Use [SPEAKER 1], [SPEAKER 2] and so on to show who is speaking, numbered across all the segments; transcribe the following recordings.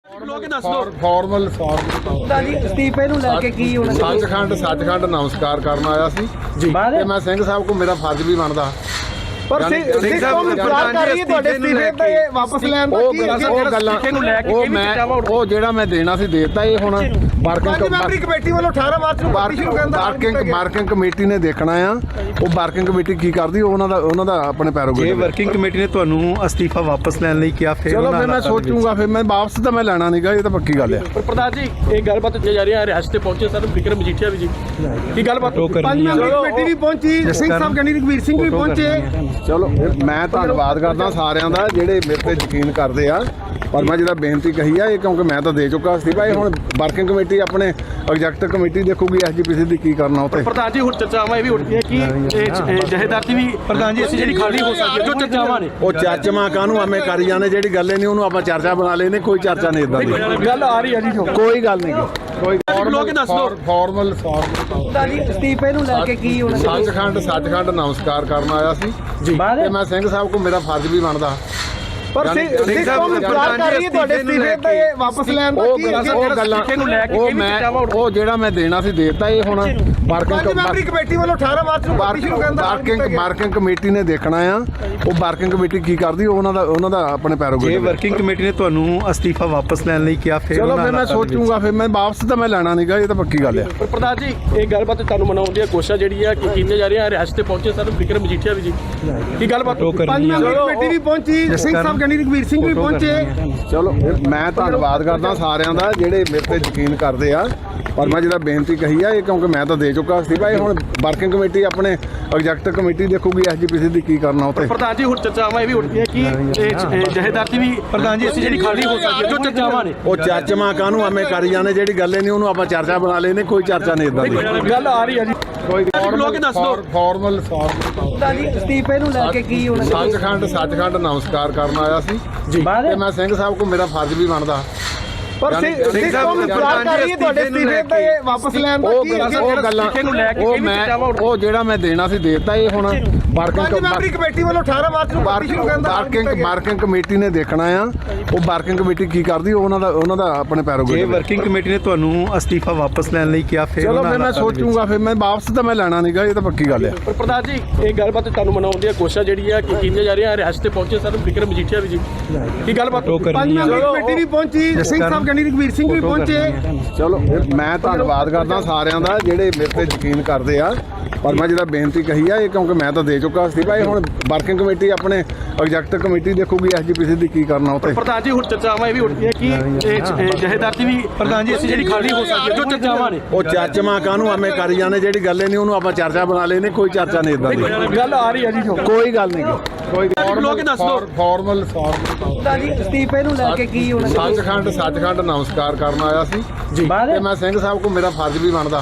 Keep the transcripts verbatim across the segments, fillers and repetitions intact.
[SPEAKER 1] Formal formal
[SPEAKER 2] ਅਸਤੀਫੇ ਨੂੰ ਲੈ ਕੇ ਕੀ ਹੋਣਾ?
[SPEAKER 1] ਸੱਚਖੰਡ ਸੱਚਖੰਡ ਨਮਸਕਾਰ ਕਰਨ ਆਇਆ ਸੀ ਤੇ ਮੈਂ ਸਿੰਘ ਸਾਹਿਬ ਕੋ ਮੇਰਾ ਫਰਜ਼ ਵੀ ਬਣਦਾ।
[SPEAKER 2] ਪਰ ਸਿੰਘ ਸਾਹਿਬ ਇਤਰਾਜ਼ ਕਰ ਰਹੀ ਹੈ ਤੁਹਾਡੇ ਅਸਤੀਫੇ ਤੇ ਵਾਪਸ ਲੈਣ ਦਾ।
[SPEAKER 1] ਉਹ ਉਹ ਗੱਲਾਂ ਉਹ ਮੈਂ ਉਹ ਜਿਹੜਾ ਮੈਂ ਦੇਣਾ ਸੀ ਦੇਤਾ। ਇਹ ਹੁਣ ਵਰਕਿੰਗ
[SPEAKER 2] ਮੈਂਬਰੀ ਕਮੇਟੀ ਵੱਲੋਂ ਅਠਾਰਾਂ ਮਾਰਚ ਨੂੰ ਸ਼ੁਰੂ ਕਹਿੰਦਾ
[SPEAKER 1] ਵਰਕਿੰਗ ਵਰਕਿੰਗ ਕਮੇਟੀ ਨੇ ਦੇਖਣਾ ਆ ਉਹ ਵਰਕਿੰਗ ਕਮੇਟੀ ਕੀ ਕਰਦੀ ਉਹਨਾਂ ਦਾ ਉਹਨਾਂ ਦਾ ਆਪਣੇ ਪੈਰੋਗੇ।
[SPEAKER 3] ਜੇ ਵਰਕਿੰਗ ਕਮੇਟੀ ਨੇ ਤੁਹਾਨੂੰ ਅਸਤੀਫਾ ਵਾਪਸ ਲੈਣ ਲਈ ਕਿਹਾ ਫਿਰ
[SPEAKER 1] ਚਲੋ ਫਿਰ ਮੈਂ ਸੋਚੂਗਾ। ਫਿਰ ਮੈਂ ਵਾਪਸ ਤਾਂ ਮੈਂ ਲੈਣਾ ਨਹੀਂਗਾ, ਇਹ ਤਾਂ ਪੱਕੀ ਗੱਲ ਆ।
[SPEAKER 4] ਪਰ ਪ੍ਰਧਾਨ ਜੀ ਇਹ ਗੱਲਬਾਤ ਚੱਲ ਜਾ ਰਹੀ ਹੈ ਰਿਹਾਸਤ ਤੇ ਪਹੁੰਚੇ ਸਰ ਵਿਕਰਮ ਮਜੀਠੀਆ ਵੀ ਜੀ ਕੀ ਗੱਲਬਾਤ
[SPEAKER 2] ਪੰਜ ਮੈਂਬਰੀ ਕਮੇਟੀ ਵੀ ਪਹੁੰਚੀ, ਸਿੰਘ ਸਾਹਿਬ ਕਹਿੰਦੀ ਰਘਵੀਰ ਸਿੰਘ ਵੀ ਪਹੁੰਚੇ।
[SPEAKER 1] ਚਲੋ ਮੈਂ ਧੰਨਵਾਦ ਕਰਦਾ ਸਾਰਿਆਂ ਦਾ ਜਿਹੜੇ ਮੇਰੇ ਤੇ ਯਕੀਨ ਕਰਦੇ ਆ। ਪਰ ਮੈਂ ਜਿਹੜਾ ਬੇਨਤੀ ਕਹੀ ਆ ਇਹ ਕਿਉਂਕਿ ਮੈਂ ਤਾਂ ਦੇ ਚੁੱਕਾ ਸੀ ਭਾਈ। ਹੁਣ ਵਰਕਿੰਗ ਕਮੇਟੀ ਆਪਣੇ ਐਗਜ਼ੈਕਟਿਵ ਕਮੇਟੀ ਦੇਖੂਗੀ ਐਸਜੀਪੀਸੀ ਦੀ ਕੀ ਕਰਨਾ ਉੱਤੇ।
[SPEAKER 4] ਪ੍ਰਧਾਨ ਜੀ ਹੁਣ ਚਰਚਾਵਾਂ ਇਹ ਵੀ ਉੱਠਦੀਆਂ ਕਿ ਇਹ ਜਹੇਦਾਰ ਦੀ ਵੀ ਪ੍ਰਧਾਨ ਜੀ ਅਸੀਂ ਜਿਹੜੀ ਖਾਲੀ ਹੋ ਸਕਦੀ ਹੈ ਜੋ ਚਰਚਾਵਾਂ ਨੇ
[SPEAKER 1] ਉਹ ਚਰਚਾਵਾਂ ਕਾਹਨੂੰ ਐਵੇਂ ਕਰੀ ਜਾਂਦੇ, ਜਿਹੜੀ ਗੱਲ ਨਹੀਂ ਉਹਨੂੰ ਆਪਾਂ ਚਰਚਾ ਬਣਾ ਲੈਨੇ। ਕੋਈ ਚਰਚਾ ਨਹੀਂ ਇਦਾਂ ਦੀ
[SPEAKER 4] ਗੱਲ ਆ ਰਹੀ ਹੈ ਜੀ।
[SPEAKER 1] ਕੋਈ ਗੱਲ ਨਹੀਂ ਕੋਈ
[SPEAKER 4] ਲੋਕ ਦੱਸ ਦਿਓ
[SPEAKER 1] ਫਾਰਮਲ ਫਾਰਮਲ
[SPEAKER 2] ਅਸਤੀਫੇ ਨੂੰ ਲੈ ਕੇ ਕੀ ਹੋਣਾ?
[SPEAKER 1] ਸੱਚਖੰਡ ਸੱਚਖੰਡ ਨਮਸਕਾਰ ਕਰਨ ਆਇਆ ਸੀ ਤੇ ਮੈਂ ਸਿੰਘ ਸਾਹਿਬ ਕੋ ਮੇਰਾ ਫਰਜ਼ ਵੀ ਬਣਦਾ।
[SPEAKER 2] ਪਰ ਸਿੰਘ ਸਾਹਿਬ ਇਤਰਾਜ਼ ਕਰ ਰਹੀ ਹੈ ਤੁਹਾਡੇ ਅਸਤੀਫੇ ਤੇ ਵਾਪਸ ਲੈਣ ਦਾ।
[SPEAKER 1] ਉਹ ਗੱਲਾਂ ਉਹ ਮੈਂ ਉਹ ਜਿਹੜਾ ਮੈਂ ਦੇਣਾ ਸੀ ਦੇਤਾ। ਇਹ ਹੁਣ ਵਰਕਿੰਗ
[SPEAKER 2] ਮੈਂਬਰੀ ਕਮੇਟੀ ਵੱਲੋਂ ਅਠਾਰਾਂ ਮਾਰਚ ਨੂੰ ਸ਼ੁਰੂ ਕਹਿੰਦਾ
[SPEAKER 1] ਵਰਕਿੰਗ ਵਰਕਿੰਗ ਕਮੇਟੀ ਨੇ ਦੇਖਣਾ ਆ ਉਹ ਵਰਕਿੰਗ ਕਮੇਟੀ ਕੀ ਕਰਦੀ ਉਹਨਾਂ ਦਾ ਉਹਨਾਂ ਦਾ ਆਪਣੇ ਪੈਰੋਗੇ।
[SPEAKER 3] ਜੇ ਵਰਕਿੰਗ ਕਮੇਟੀ ਨੇ ਤੁਹਾਨੂੰ ਅਸਤੀਫਾ ਵਾਪਸ ਲੈਣ ਲਈ ਕਿਹਾ ਫਿਰ
[SPEAKER 1] ਚਲੋ ਫਿਰ ਮੈਂ ਸੋਚੂਗਾ। ਫਿਰ ਮੈਂ ਵਾਪਸ ਤਾਂ ਮੈਂ ਲੈਣਾ ਨਹੀਂਗਾ, ਇਹ ਤਾਂ ਪੱਕੀ ਗੱਲ ਆ।
[SPEAKER 4] ਪਰ ਪ੍ਰਧਾਨ ਜੀ ਇਹ ਗੱਲਬਾਤ ਤੁਹਾਨੂੰ ਮਨਾਉਣ ਦੀਆਂ ਕੋਸ਼ਿਸ਼ਾਂ ਜਿਹੜੀ ਆ ਕਿ ਕੀਤੀਆਂ ਜਾ ਰਹੀਆਂ ਰਿਹਾਸਤ ਤੇ ਪਹੁੰਚੇ ਸਰ ਵਿਕਰਮ ਮਜੀਠੀਆ ਵੀ ਜੀ ਕੀ ਗੱਲਬਾਤ
[SPEAKER 2] ਪੰਜ ਮੈਂਬਰੀ ਕਮੇਟੀ ਵੀ ਪਹੁੰਚੀ, ਸਿੰਘ ਸਾਹਿਬ ਕਹਿੰਦੀ ਰਘਵੀਰ ਸਿੰਘ ਵੀ ਪਹੁੰਚੇ।
[SPEAKER 1] ਚਲੋ ਮੈਂ ਧੰਨਵਾਦ ਕਰਦਾ ਸਾਰਿਆਂ ਦਾ ਜਿਹੜੇ ਮੇਰੇ ਤੇ ਯਕੀਨ ਕਰਦੇ ਆ। ਪਰ ਮੈਂ ਜਿਹੜਾ ਬੇਨਤੀ ਕਹੀ ਆ ਇਹ ਕਿਉਂਕਿ ਮੈਂ ਤਾਂ ਦੇ ਚੁੱਕਾ ਸੀ ਭਾਈ। ਹੁਣ ਵਰਕਿੰਗ ਕਮੇਟੀ ਆਪਣੇ ਐਗਜ਼ੈਕਟਿਵ ਕਮੇਟੀ ਦੇਖੂਗੀ ਐਸਜੀਪੀਸੀ ਦੀ ਕੀ ਕਰਨਾ ਉੱਤੇ।
[SPEAKER 4] ਪ੍ਰਧਾਨ ਜੀ ਹੁਣ ਚਰਚਾਵਾਂ ਇਹ ਵੀ ਉੱਠਦੀਆਂ ਕਿ ਇਹ ਜਹੇਦਾਰ ਦੀ ਵੀ ਪ੍ਰਧਾਨ ਜੀ ਅਸੀਂ ਜਿਹੜੀ ਖਾਲੀ ਹੋ ਸਕਦੀ ਹੈ ਜੋ ਚਰਚਾਵਾਂ ਨੇ
[SPEAKER 1] ਉਹ ਚਰਚਾਵਾਂ ਕਾਹਨੂੰ ਐਵੇਂ ਕਰੀ ਜਾਂਦੇ, ਜਿਹੜੀ ਗੱਲ ਨਹੀਂ ਉਹਨੂੰ ਆਪਾਂ ਚਰਚਾ ਬਣਾ ਲੈਨੇ। ਕੋਈ ਚਰਚਾ ਨਹੀਂ ਇਦਾਂ ਦੀ ਗੱਲ
[SPEAKER 4] ਆ ਰਹੀ ਹੈ ਜੀ।
[SPEAKER 1] ਕੋਈ
[SPEAKER 4] ਲੋਕ ਦੱਸ ਦਿਓ
[SPEAKER 1] ਫਾਰਮਲ ਫਾਰਮਲ
[SPEAKER 2] ਅਸਤੀਫੇ ਨੂੰ ਲੈ ਕੇ ਕੀ ਹੋਣਾ?
[SPEAKER 1] ਸੱਚਖੰਡ ਸੱਚਖੰਡ ਨਮਸਕਾਰ ਕਰਨ ਆਇਆ ਸੀ ਤੇ ਮੈਂ ਸਿੰਘ ਸਾਹਿਬ ਕੋ ਮੇਰਾ ਫਰਜ਼ ਵੀ ਬਣਦਾ।
[SPEAKER 2] ਪਰ ਸਿੰਘ ਸਾਹਿਬ ਇਤਰਾਜ਼ ਕਰ ਰਹੀ ਹੈ ਤੁਹਾਡੇ ਅਸਤੀਫੇ ਤੇ ਵਾਪਸ ਲੈਣ ਦਾ।
[SPEAKER 1] ਉਹ ਗੱਲਾਂ ਉਹ ਮੈਂ ਉਹ ਜਿਹੜਾ ਮੈਂ ਦੇਣਾ ਸੀ ਦੇਤਾ। ਇਹ ਹੁਣ ਵਰਕਿੰਗ
[SPEAKER 2] ਮੈਂਬਰੀ ਕਮੇਟੀ ਵੱਲੋਂ ਅਠਾਰਾਂ ਮਾਰਚ ਨੂੰ ਸ਼ੁਰੂ ਕਹਿੰਦਾ
[SPEAKER 1] ਵਰਕਿੰਗ ਵਰਕਿੰਗ ਕਮੇਟੀ ਨੇ ਦੇਖਣਾ ਆ ਉਹ ਵਰਕਿੰਗ ਕਮੇਟੀ ਕੀ ਕਰਦੀ ਉਹਨਾਂ ਦਾ ਉਹਨਾਂ ਦਾ ਆਪਣੇ ਪੈਰੋਗੇ।
[SPEAKER 3] ਜੇ ਵਰਕਿੰਗ ਕਮੇਟੀ ਨੇ ਤੁਹਾਨੂੰ ਅਸਤੀਫਾ ਵਾਪਸ ਲੈਣ ਲਈ ਕਿਹਾ ਫਿਰ
[SPEAKER 1] ਚਲੋ ਫਿਰ ਮੈਂ ਸੋਚੂਗਾ। ਫਿਰ ਮੈਂ ਵਾਪਸ ਤਾਂ ਮੈਂ ਲੈਣਾ ਨਹੀਂਗਾ, ਇਹ ਤਾਂ ਪੱਕੀ ਗੱਲ ਆ।
[SPEAKER 4] ਪਰ ਪ੍ਰਧਾਨ ਜੀ ਇਹ ਗੱਲਬਾਤ ਤੁਹਾਨੂੰ ਮਨਾਉਣ ਦੀਆਂ ਕੋਸ਼ਿਸ਼ਾਂ ਜਿਹੜੀ ਆ ਕਿ ਕੀਤੀਆਂ ਜਾ ਰਹੀਆਂ ਰਿਹਾਸਤ ਤੇ ਪਹੁੰਚੇ ਸਰ ਵਿਕਰਮ ਮਜੀਠੀਆ ਵੀ ਜੀ ਕੀ ਗੱਲਬਾਤ
[SPEAKER 2] ਪੰਜ ਮੈਂਬਰੀ ਕਮੇਟੀ ਵੀ ਪਹੁੰਚੀ, ਸਿੰਘ ਸਾਹਿਬ ਕਹਿੰਦੀ ਰਘਵੀਰ ਸਿੰਘ ਵੀ ਪਹੁੰਚੇ।
[SPEAKER 1] ਚਲੋ ਮੈਂ ਧੰਨਵਾਦ ਕਰਦਾ ਸਾਰਿਆਂ ਦਾ ਜਿਹੜੇ ਮੇਰੇ ਤੇ ਯਕੀਨ ਕਰਦੇ ਆ। ਪਰ ਮੈਂ ਜਿਹੜਾ ਬੇਨਤੀ ਕਹੀ ਆ ਇਹ ਕਿਉਂਕਿ ਮੈਂ ਤਾਂ ਦੇ ਚੁੱਕਾ ਸੀ ਭਾਈ। ਹੁਣ ਵਰਕਿੰਗ ਕਮੇਟੀ ਆਪਣੇ ਐਗਜ਼ੈਕਟਿਵ ਕਮੇਟੀ ਦੇਖੂਗੀ ਐਸਜੀਪੀਸੀ ਦੀ ਕੀ ਕਰਨਾ ਉੱਤੇ।
[SPEAKER 4] ਪ੍ਰਧਾਨ ਜੀ ਹੁਣ ਚਰਚਾਵਾਂ ਇਹ ਵੀ ਉੱਠਦੀਆਂ ਕਿ ਇਹ ਜਹੇਦਾਰ ਦੀ ਵੀ ਪ੍ਰਧਾਨ ਜੀ ਅਸੀਂ ਜਿਹੜੀ ਖਾਲੀ ਹੋ ਸਕਦੀ ਹੈ ਜੋ ਚਰਚਾਵਾਂ ਨੇ
[SPEAKER 1] ਉਹ ਚਰਚਾਵਾਂ ਕਾਹਨੂੰ ਐਵੇਂ ਕਰੀ ਜਾਂਦੇ, ਜਿਹੜੀ ਗੱਲ ਨਹੀਂ ਉਹਨੂੰ ਆਪਾਂ ਚਰਚਾ ਬਣਾ ਲੈਨੇ। ਕੋਈ ਚਰਚਾ ਨਹੀਂ ਇਦਾਂ ਦੀ
[SPEAKER 4] ਗੱਲ ਆ ਰਹੀ ਹੈ ਜੀ।
[SPEAKER 1] ਕੋਈ ਗੱਲ ਨਹੀਂ ਕੋਈ
[SPEAKER 4] ਲੋਕ ਦੱਸ ਦਿਓ
[SPEAKER 1] ਫਾਰਮਲ ਫਾਰਮਲ
[SPEAKER 2] ਅਸਤੀਫੇ ਨੂੰ ਲੈ ਕੇ ਕੀ ਹੋਣਾ?
[SPEAKER 1] ਸੱਚਖੰਡ ਸੱਚਖੰਡ ਨਮਸਕਾਰ ਕਰਨ ਆਇਆ ਸੀ ਤੇ ਮੈਂ ਸਿੰਘ ਸਾਹਿਬ ਕੋ ਮੇਰਾ ਫਰਜ਼ ਵੀ ਬਣਦਾ।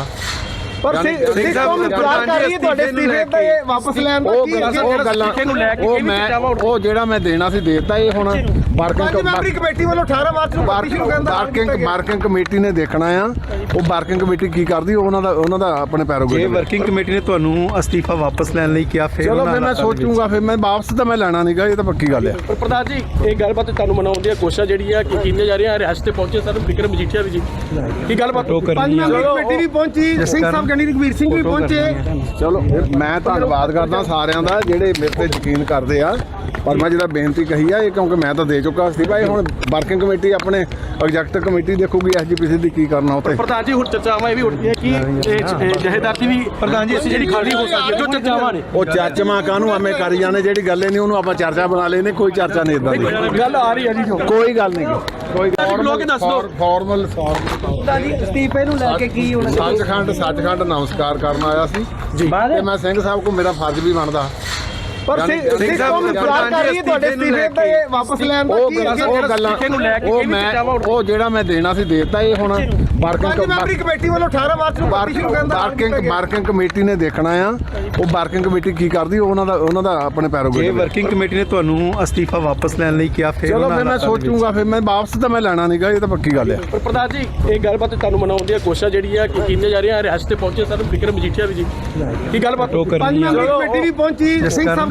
[SPEAKER 2] ਪਰ ਸਿੰਘ ਸਾਹਿਬ ਇਤਰਾਜ਼ ਕਰ ਰਹੀ ਹੈ ਤੁਹਾਡੇ ਅਸਤੀਫੇ ਤੇ ਵਾਪਸ ਲੈਣ ਦਾ।
[SPEAKER 1] ਉਹ ਗੱਲਾਂ ਉਹ ਮੈਂ ਉਹ ਜਿਹੜਾ ਮੈਂ ਦੇਣਾ ਸੀ ਦੇਤਾ। ਇਹ ਹੁਣ ਵਰਕਿੰਗ
[SPEAKER 2] ਮੈਂਬਰੀ ਕਮੇਟੀ ਵੱਲੋਂ ਅਠਾਰਾਂ ਮਾਰਚ ਨੂੰ ਸ਼ੁਰੂ ਕਹਿੰਦਾ
[SPEAKER 1] ਵਰਕਿੰਗ ਵਰਕਿੰਗ ਕਮੇਟੀ ਨੇ ਦੇਖਣਾ ਆ ਉਹ ਵਰਕਿੰਗ ਕਮੇਟੀ ਕੀ ਕਰਦੀ ਉਹਨਾਂ ਦਾ ਉਹਨਾਂ ਦਾ ਆਪਣੇ ਪੈਰੋਗੇ।
[SPEAKER 3] ਜੇ ਵਰਕਿੰਗ ਕਮੇਟੀ ਨੇ ਤੁਹਾਨੂੰ ਅਸਤੀਫਾ ਵਾਪਸ ਲੈਣ ਲਈ ਕਿਹਾ ਫਿਰ
[SPEAKER 1] ਚਲੋ ਫਿਰ ਮੈਂ ਸੋਚੂਗਾ। ਫਿਰ ਮੈਂ ਵਾਪਸ ਤਾਂ ਮੈਂ ਲੈਣਾ ਨਹੀਂਗਾ, ਇਹ ਤਾਂ ਪੱਕੀ ਗੱਲ ਆ।
[SPEAKER 4] ਪਰ ਪ੍ਰਧਾਨ ਜੀ ਇਹ ਗੱਲਬਾਤ ਤੁਹਾਨੂੰ ਮਨਾਉਣ ਦੀਆਂ ਕੋਸ਼ਿਸ਼ਾਂ ਜਿਹੜੀ ਆ ਕਿ ਕੀਤੀਆਂ ਜਾ ਰਹੀਆਂ ਰਿਹਾਸਤ ਤੇ ਪਹੁੰਚੇ ਸਰ ਵਿਕਰਮ ਮਜੀਠੀਆ ਵੀ ਜੀ ਕੀ ਗੱਲਬਾਤ
[SPEAKER 2] ਪੰਜ ਮੈਂਬਰੀ ਕਮੇਟੀ ਵੀ ਪਹੁੰਚੀ, ਸਿੰਘ ਸਾਹਿਬ ਕਹਿੰਦੀ ਰਘਵੀਰ ਸਿੰਘ ਵੀ ਪਹੁੰਚੇ।
[SPEAKER 1] ਚਲੋ ਮੈਂ ਧੰਨਵਾਦ ਕਰਦਾ ਸਾਰਿਆਂ ਦਾ ਜਿਹੜੇ ਮੇਰੇ ਤੇ ਯਕੀਨ ਕਰਦੇ ਆ। ਪਰ ਮੈਂ ਜਿਹੜਾ ਬੇਨਤੀ ਕਹੀ ਆ ਇਹ ਕਿਉਂਕਿ ਮੈਂ ਤਾਂ ਦੇ ਚੁੱਕਾ ਸੀ ਭਾਈ। ਹੁਣ ਵਰਕਿੰਗ ਕਮੇਟੀ ਆਪਣੇ ਐਗਜ਼ੈਕਟਿਵ ਕਮੇਟੀ ਦੇਖੂਗੀ ਐਸਜੀਪੀਸੀ ਦੀ ਕੀ ਕਰਨਾ ਉੱਤੇ।
[SPEAKER 4] ਪ੍ਰਧਾਨ ਜੀ ਹੁਣ ਚਰਚਾਵਾਂ ਇਹ ਵੀ ਉੱਠਦੀਆਂ ਕਿ ਇਹ ਜਹੇਦਾਰ ਦੀ ਵੀ ਪ੍ਰਧਾਨ ਜੀ ਅਸੀਂ ਜਿਹੜੀ ਖਾਲੀ ਹੋ ਸਕਦੀ ਹੈ ਜੋ ਚਰਚਾਵਾਂ ਨੇ
[SPEAKER 1] ਉਹ ਚਰਚਾਵਾਂ ਕਾਹਨੂੰ ਐਵੇਂ ਕਰੀ ਜਾਂਦੇ, ਜਿਹੜੀ ਗੱਲ ਨਹੀਂ ਉਹਨੂੰ ਆਪਾਂ ਚਰਚਾ ਬਣਾ ਲੈਨੇ। ਕੋਈ ਚਰਚਾ ਨਹੀਂ ਇਦਾਂ ਦੀ
[SPEAKER 4] ਗੱਲ ਆ ਰਹੀ ਹੈ ਜੀ।
[SPEAKER 1] ਕੋਈ ਗੱਲ ਨਹੀਂ ਕੋਈ
[SPEAKER 4] ਲੋਕ ਦੱਸ ਦਿਓ
[SPEAKER 1] ਫਾਰਮਲ ਫਾਰਮਲ
[SPEAKER 2] ਅਸਤੀਫੇ ਨੂੰ ਲੈ ਕੇ ਕੀ ਹੋਣਾ?
[SPEAKER 1] ਸੱਚਖੰਡ ਸੱਚਖੰਡ ਨਮਸਕਾਰ ਕਰਨ ਆਇਆ ਸੀ ਤੇ ਮੈਂ ਸਿੰਘ ਸਾਹਿਬ ਕੋ ਮੇਰਾ ਫਰਜ਼ ਵੀ ਬਣਦਾ।
[SPEAKER 2] ਪਰ ਸਿੰਘ ਸਾਹਿਬ ਇਤਰਾਜ਼ ਕਰ ਰਹੀ ਹੈ ਤੁਹਾਡੇ ਅਸਤੀਫੇ ਤੇ ਵਾਪਸ ਲੈਣ ਦਾ।
[SPEAKER 1] ਉਹ ਗੱਲਾਂ ਉਹ ਮੈਂ ਉਹ ਜਿਹੜਾ ਮੈਂ ਦੇਣਾ ਸੀ ਦੇਤਾ। ਇਹ ਹੁਣ ਵਰਕਿੰਗ
[SPEAKER 2] ਮੈਂਬਰੀ ਕਮੇਟੀ ਵੱਲੋਂ ਅਠਾਰਾਂ ਮਾਰਚ ਨੂੰ ਸ਼ੁਰੂ ਕਹਿੰਦਾ
[SPEAKER 1] ਵਰਕਿੰਗ ਵਰਕਿੰਗ ਕਮੇਟੀ ਨੇ ਦੇਖਣਾ ਆ ਉਹ ਵਰਕਿੰਗ ਕਮੇਟੀ ਕੀ ਕਰਦੀ ਉਹਨਾਂ ਦਾ ਉਹਨਾਂ ਦਾ ਆਪਣੇ ਪੈਰੋਗੇ।
[SPEAKER 3] ਜੇ ਵਰਕਿੰਗ ਕਮੇਟੀ ਨੇ ਤੁਹਾਨੂੰ ਅਸਤੀਫਾ ਵਾਪਸ ਲੈਣ ਲਈ ਕਿਹਾ ਫਿਰ
[SPEAKER 1] ਚਲੋ ਫਿਰ ਮੈਂ ਸੋਚੂਗਾ। ਫਿਰ ਮੈਂ ਵਾਪਸ ਤਾਂ ਮੈਂ ਲੈਣਾ ਨਹੀਂਗਾ, ਇਹ ਤਾਂ ਪੱਕੀ ਗੱਲ ਆ।
[SPEAKER 4] ਪਰ ਪ੍ਰਧਾਨ ਜੀ ਇਹ ਗੱਲਬਾਤ ਤੁਹਾਨੂੰ ਮਨਾਉਣ ਦੀਆਂ ਕੋਸ਼ਿਸ਼ਾਂ ਜਿਹੜੀ ਆ ਕਿ ਕੀਤੀਆਂ ਜਾ ਰਹੀਆਂ ਰਿਹਾਸਤ ਤੇ ਪਹੁੰਚੇ ਸਰ ਵਿਕਰਮ ਮਜੀਠੀਆ ਵੀ ਜੀ ਕੀ ਗੱਲਬਾਤ
[SPEAKER 2] ਪੰਜ ਮੈਂਬਰੀ ਕਮੇਟੀ ਵੀ ਪਹੁੰਚੀ, ਸਿੰਘ ਸਾਹਿਬ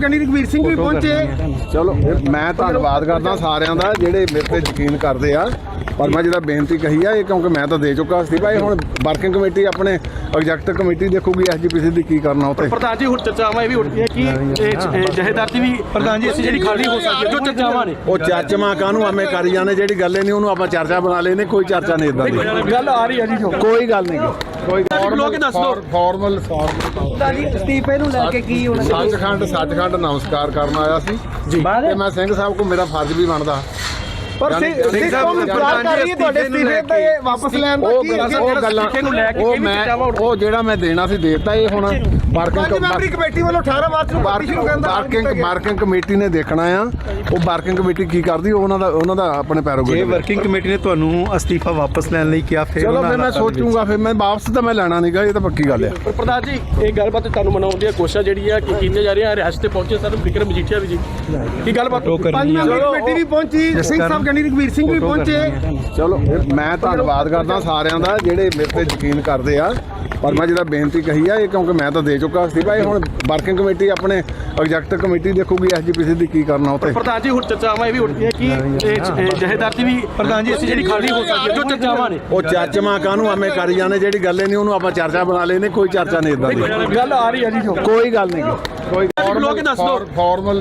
[SPEAKER 2] ਗਿਆਨੀ ਰਘਵੀਰ ਸਿੰਘ ਵੀ ਪਹੁੰਚੇ।
[SPEAKER 1] ਚਲੋ ਮੈਂ ਧੰਨਵਾਦ ਕਰਦਾ ਸਾਰਿਆਂ ਦਾ ਜਿਹੜੇ ਮੇਰੇ ਤੇ ਯਕੀਨ ਕਰਦੇ ਆ, ਪਰ ਮੈਂ ਜਿਹੜਾ ਬੇਨਤੀ ਕਹੀ ਆ ਇਹ ਕਿਉਂਕਿ ਮੈਂ ਤਾਂ ਦੇ ਚੁੱਕਾ ਸੀ ਭਾਈ, ਹੁਣ ਵਰਕਿੰਗ ਕਮੇਟੀ ਆਪਣੇ ਐਗਜ਼ੈਕਟਿਵ ਕਮੇਟੀ ਦੇਖੂਗੀ ਐਸਜੀਪੀਸੀ ਦੀ ਕੀ ਕਰਨਾ ਉੱਤੇ।
[SPEAKER 4] ਪ੍ਰਧਾਨ ਜੀ ਹੁਣ ਚਰਚਾਵਾਂ ਇਹ ਵੀ ਉੱਠਦੀਆਂ ਕਿ ਇਹ ਜਹੇਦਾਰ ਦੀ ਵੀ ਪ੍ਰਧਾਨ ਜੀ ਅਸੀਂ ਜਿਹੜੀ ਖਾਲੀ ਹੋ ਸਕਦੀ ਹੈ ਜੋ ਚਰਚਾਵਾਂ ਨੇ
[SPEAKER 1] ਉਹ ਚਾਚਮਾ ਕਾਹਨੂੰ ਐਵੇਂ ਕਰੀ ਜਾਂਦੇ, ਜਿਹੜੀ ਗੱਲ ਹੀ ਨਹੀਂ ਉਹਨੂੰ ਆਪਾਂ ਚਰਚਾ ਬਣਾ ਲੈਨੇ, ਕੋਈ ਚਰਚਾ ਨਹੀਂ ਇਦਾਂ ਦੀ
[SPEAKER 4] ਗੱਲ ਆ ਰਹੀ ਹੈ ਜੀ ਜੋ
[SPEAKER 1] ਕੋਈ ਗੱਲ ਨਹੀਂ ਕੋਈ
[SPEAKER 4] ਬੁਲਾ ਕੇ ਦੱਸ ਦਿਓ।
[SPEAKER 1] ਫਾਰਮਲ
[SPEAKER 2] ਅਸਤੀਫੇ ਨੂੰ ਲੈ ਕੇ ਕੀ ਹੋਣਾ?
[SPEAKER 1] ਸੱਚਖੰਡ ਸੱਚਖੰਡ ਨਮਸਕਾਰ ਕਰਨ ਆਇਆ ਸੀ ਜੀ, ਤੇ ਮੈਂ ਸਿੰਘ ਸਾਹਿਬ ਕੋ ਮੇਰਾ ਫਰਜ਼ ਵੀ ਬਣਦਾ।
[SPEAKER 2] ਪਰ ਸਿੰਘ ਸਾਹਿਬ ਇਤਰਾਜ਼ ਕਰ ਰਹੀ ਹੈ ਤੁਹਾਡੇ ਅਸਤੀਫੇ ਤੇ ਵਾਪਸ ਲੈਣ ਦਾ।
[SPEAKER 1] ਉਹ
[SPEAKER 2] ਕੀ
[SPEAKER 1] ਗੱਲਾਂ ਉਹ ਗੱਲਾਂ ਉਹ ਮੈਂ ਉਹ ਜਿਹੜਾ ਮੈਂ ਦੇਣਾ ਸੀ ਦੇਤਾ। ਇਹ ਹੁਣ ਵਰਕਿੰਗ
[SPEAKER 2] ਮੈਂਬਰੀ ਕਮੇਟੀ ਵੱਲੋਂ ਅਠਾਰਾਂ ਮਾਰਚ ਨੂੰ ਪਾਰਟੀ ਸ਼ੁਰੂ ਕਰਨ ਦਾ
[SPEAKER 1] ਵਰਕਿੰਗ ਵਰਕਿੰਗ ਕਮੇਟੀ ਨੇ ਦੇਖਣਾ ਆ, ਉਹ ਵਰਕਿੰਗ ਕਮੇਟੀ ਕੀ ਕਰਦੀ ਉਹਨਾਂ ਦਾ ਉਹਨਾਂ ਦਾ ਆਪਣੇ
[SPEAKER 3] ਜੇ
[SPEAKER 1] ਪੈਰੋਗੇ।
[SPEAKER 3] ਵਰਕਿੰਗ ਕਮੇਟੀ ਨੇ ਤੁਹਾਨੂੰ ਅਸਤੀਫਾ ਵਾਪਸ ਲੈਣ ਲਈ ਕਿਹਾ ਫਿਰ
[SPEAKER 1] ਚਲੋ
[SPEAKER 3] ਉਹਨਾਂ
[SPEAKER 1] ਫਿਰ ਮੈਂ
[SPEAKER 3] ਹਾਲਾਤਾਂ ਦੇ ਵਿੱਚ-
[SPEAKER 1] ਸੋਚੂਗਾ, ਫਿਰ ਮੈਂ ਵਾਪਸ ਤਾਂ ਮੈਂ ਲੈਣਾ ਨਹੀਂਗਾ, ਇਹ ਤਾਂ ਪੱਕੀ ਗੱਲ ਆ।
[SPEAKER 4] ਪਰ ਪ੍ਰਧਾਨ ਜੀ ਇਹ ਗੱਲਬਾਤ ਤੁਹਾਨੂੰ ਮਨਾਉਣ ਦੀਆਂ ਕੋਸ਼ਿਸ਼ਾਂ ਜਿਹੜੀ ਆ ਕਿ ਕੀਤੀਆਂ ਜਾ ਰਹੀਆਂ। ਰਿਆਸਤ ਤੇ ਪਹੁੰਚੇ ਸਰ ਵਿਕਰਮ ਮਜੀਠੀਆ ਵੀ ਜੀ, ਕੀ ਗੱਲਬਾਤ
[SPEAKER 3] ਉਹ
[SPEAKER 2] ਪੰਜ
[SPEAKER 3] ਕਰਨੀ ਆ।
[SPEAKER 2] ਮੈਂਬਰੀ ਕਮੇਟੀ ਵੀ ਪਹੁੰਚੀ, ਸਿੰਘ ਸਾਹਿਬ ਗਿਆਨੀ ਰਘਵੀਰ ਸਿੰਘ ਵੀ ਪਹੁੰਚੇ।
[SPEAKER 1] ਚਲੋ ਮੈਂ ਧੰਨਵਾਦ ਕਰਦਾ ਸਾਰਿਆਂ ਦਾ ਜਿਹੜੇ ਮੇਰੇ ਤੇ ਯਕੀਨ ਕਰਦੇ ਆ, ਪਰ ਮੈਂ ਜਿਹੜਾ ਬੇਨਤੀ ਕਹੀ ਆ ਇਹ ਕਿਉਂਕਿ ਮੈਂ ਤਾਂ ਦੇ ਚੁੱਕਾ ਸੀ ਭਾਈ, ਹੁਣ ਵਰਕਿੰਗ ਕਮੇਟੀ ਆਪਣੇ ਐਗਜ਼ੈਕਟਿਵ ਕਮੇਟੀ ਦੇਖੂਗੀ ਐਸਜੀਪੀਸੀ ਦੀ ਕੀ ਕਰਨਾ ਉੱਤੇ।
[SPEAKER 4] ਪ੍ਰਧਾਨ ਜੀ ਹੁਣ ਚਰਚਾਵਾਂ ਇਹ ਵੀ ਉੱਠਦੀਆਂ ਕਿ ਇਹ ਜਹੇਦਾਰ ਦੀ ਵੀ ਪ੍ਰਧਾਨ ਜੀ ਅਸੀਂ ਜਿਹੜੀ ਖਾਲੀ ਹੋ ਸਕਦੀ ਹੈ ਜੋ ਚਰਚਾਵਾਂ ਨੇ
[SPEAKER 1] ਉਹ ਚਾਚਮਾ ਕਾਹਨੂੰ ਐਵੇਂ ਕਰੀ ਜਾਂਦੇ, ਜਿਹੜੀ ਗੱਲ ਹੀ ਨਹੀਂ ਉਹਨੂੰ ਆਪਾਂ ਚਰਚਾ ਬਣਾ ਲੈਨੇ, ਕੋਈ ਚਰਚਾ ਨਹੀਂ ਇਦਾਂ ਦੀ
[SPEAKER 4] ਗੱਲ ਆ ਰਹੀ ਹੈ ਜੀ ਜੋ
[SPEAKER 1] ਕੋਈ ਗੱਲ ਨਹੀਂ ਕੋਈ
[SPEAKER 4] ਬੁਲਾ ਕੇ ਦੱਸ ਦਿਓ।
[SPEAKER 1] ਫਾਰਮਲ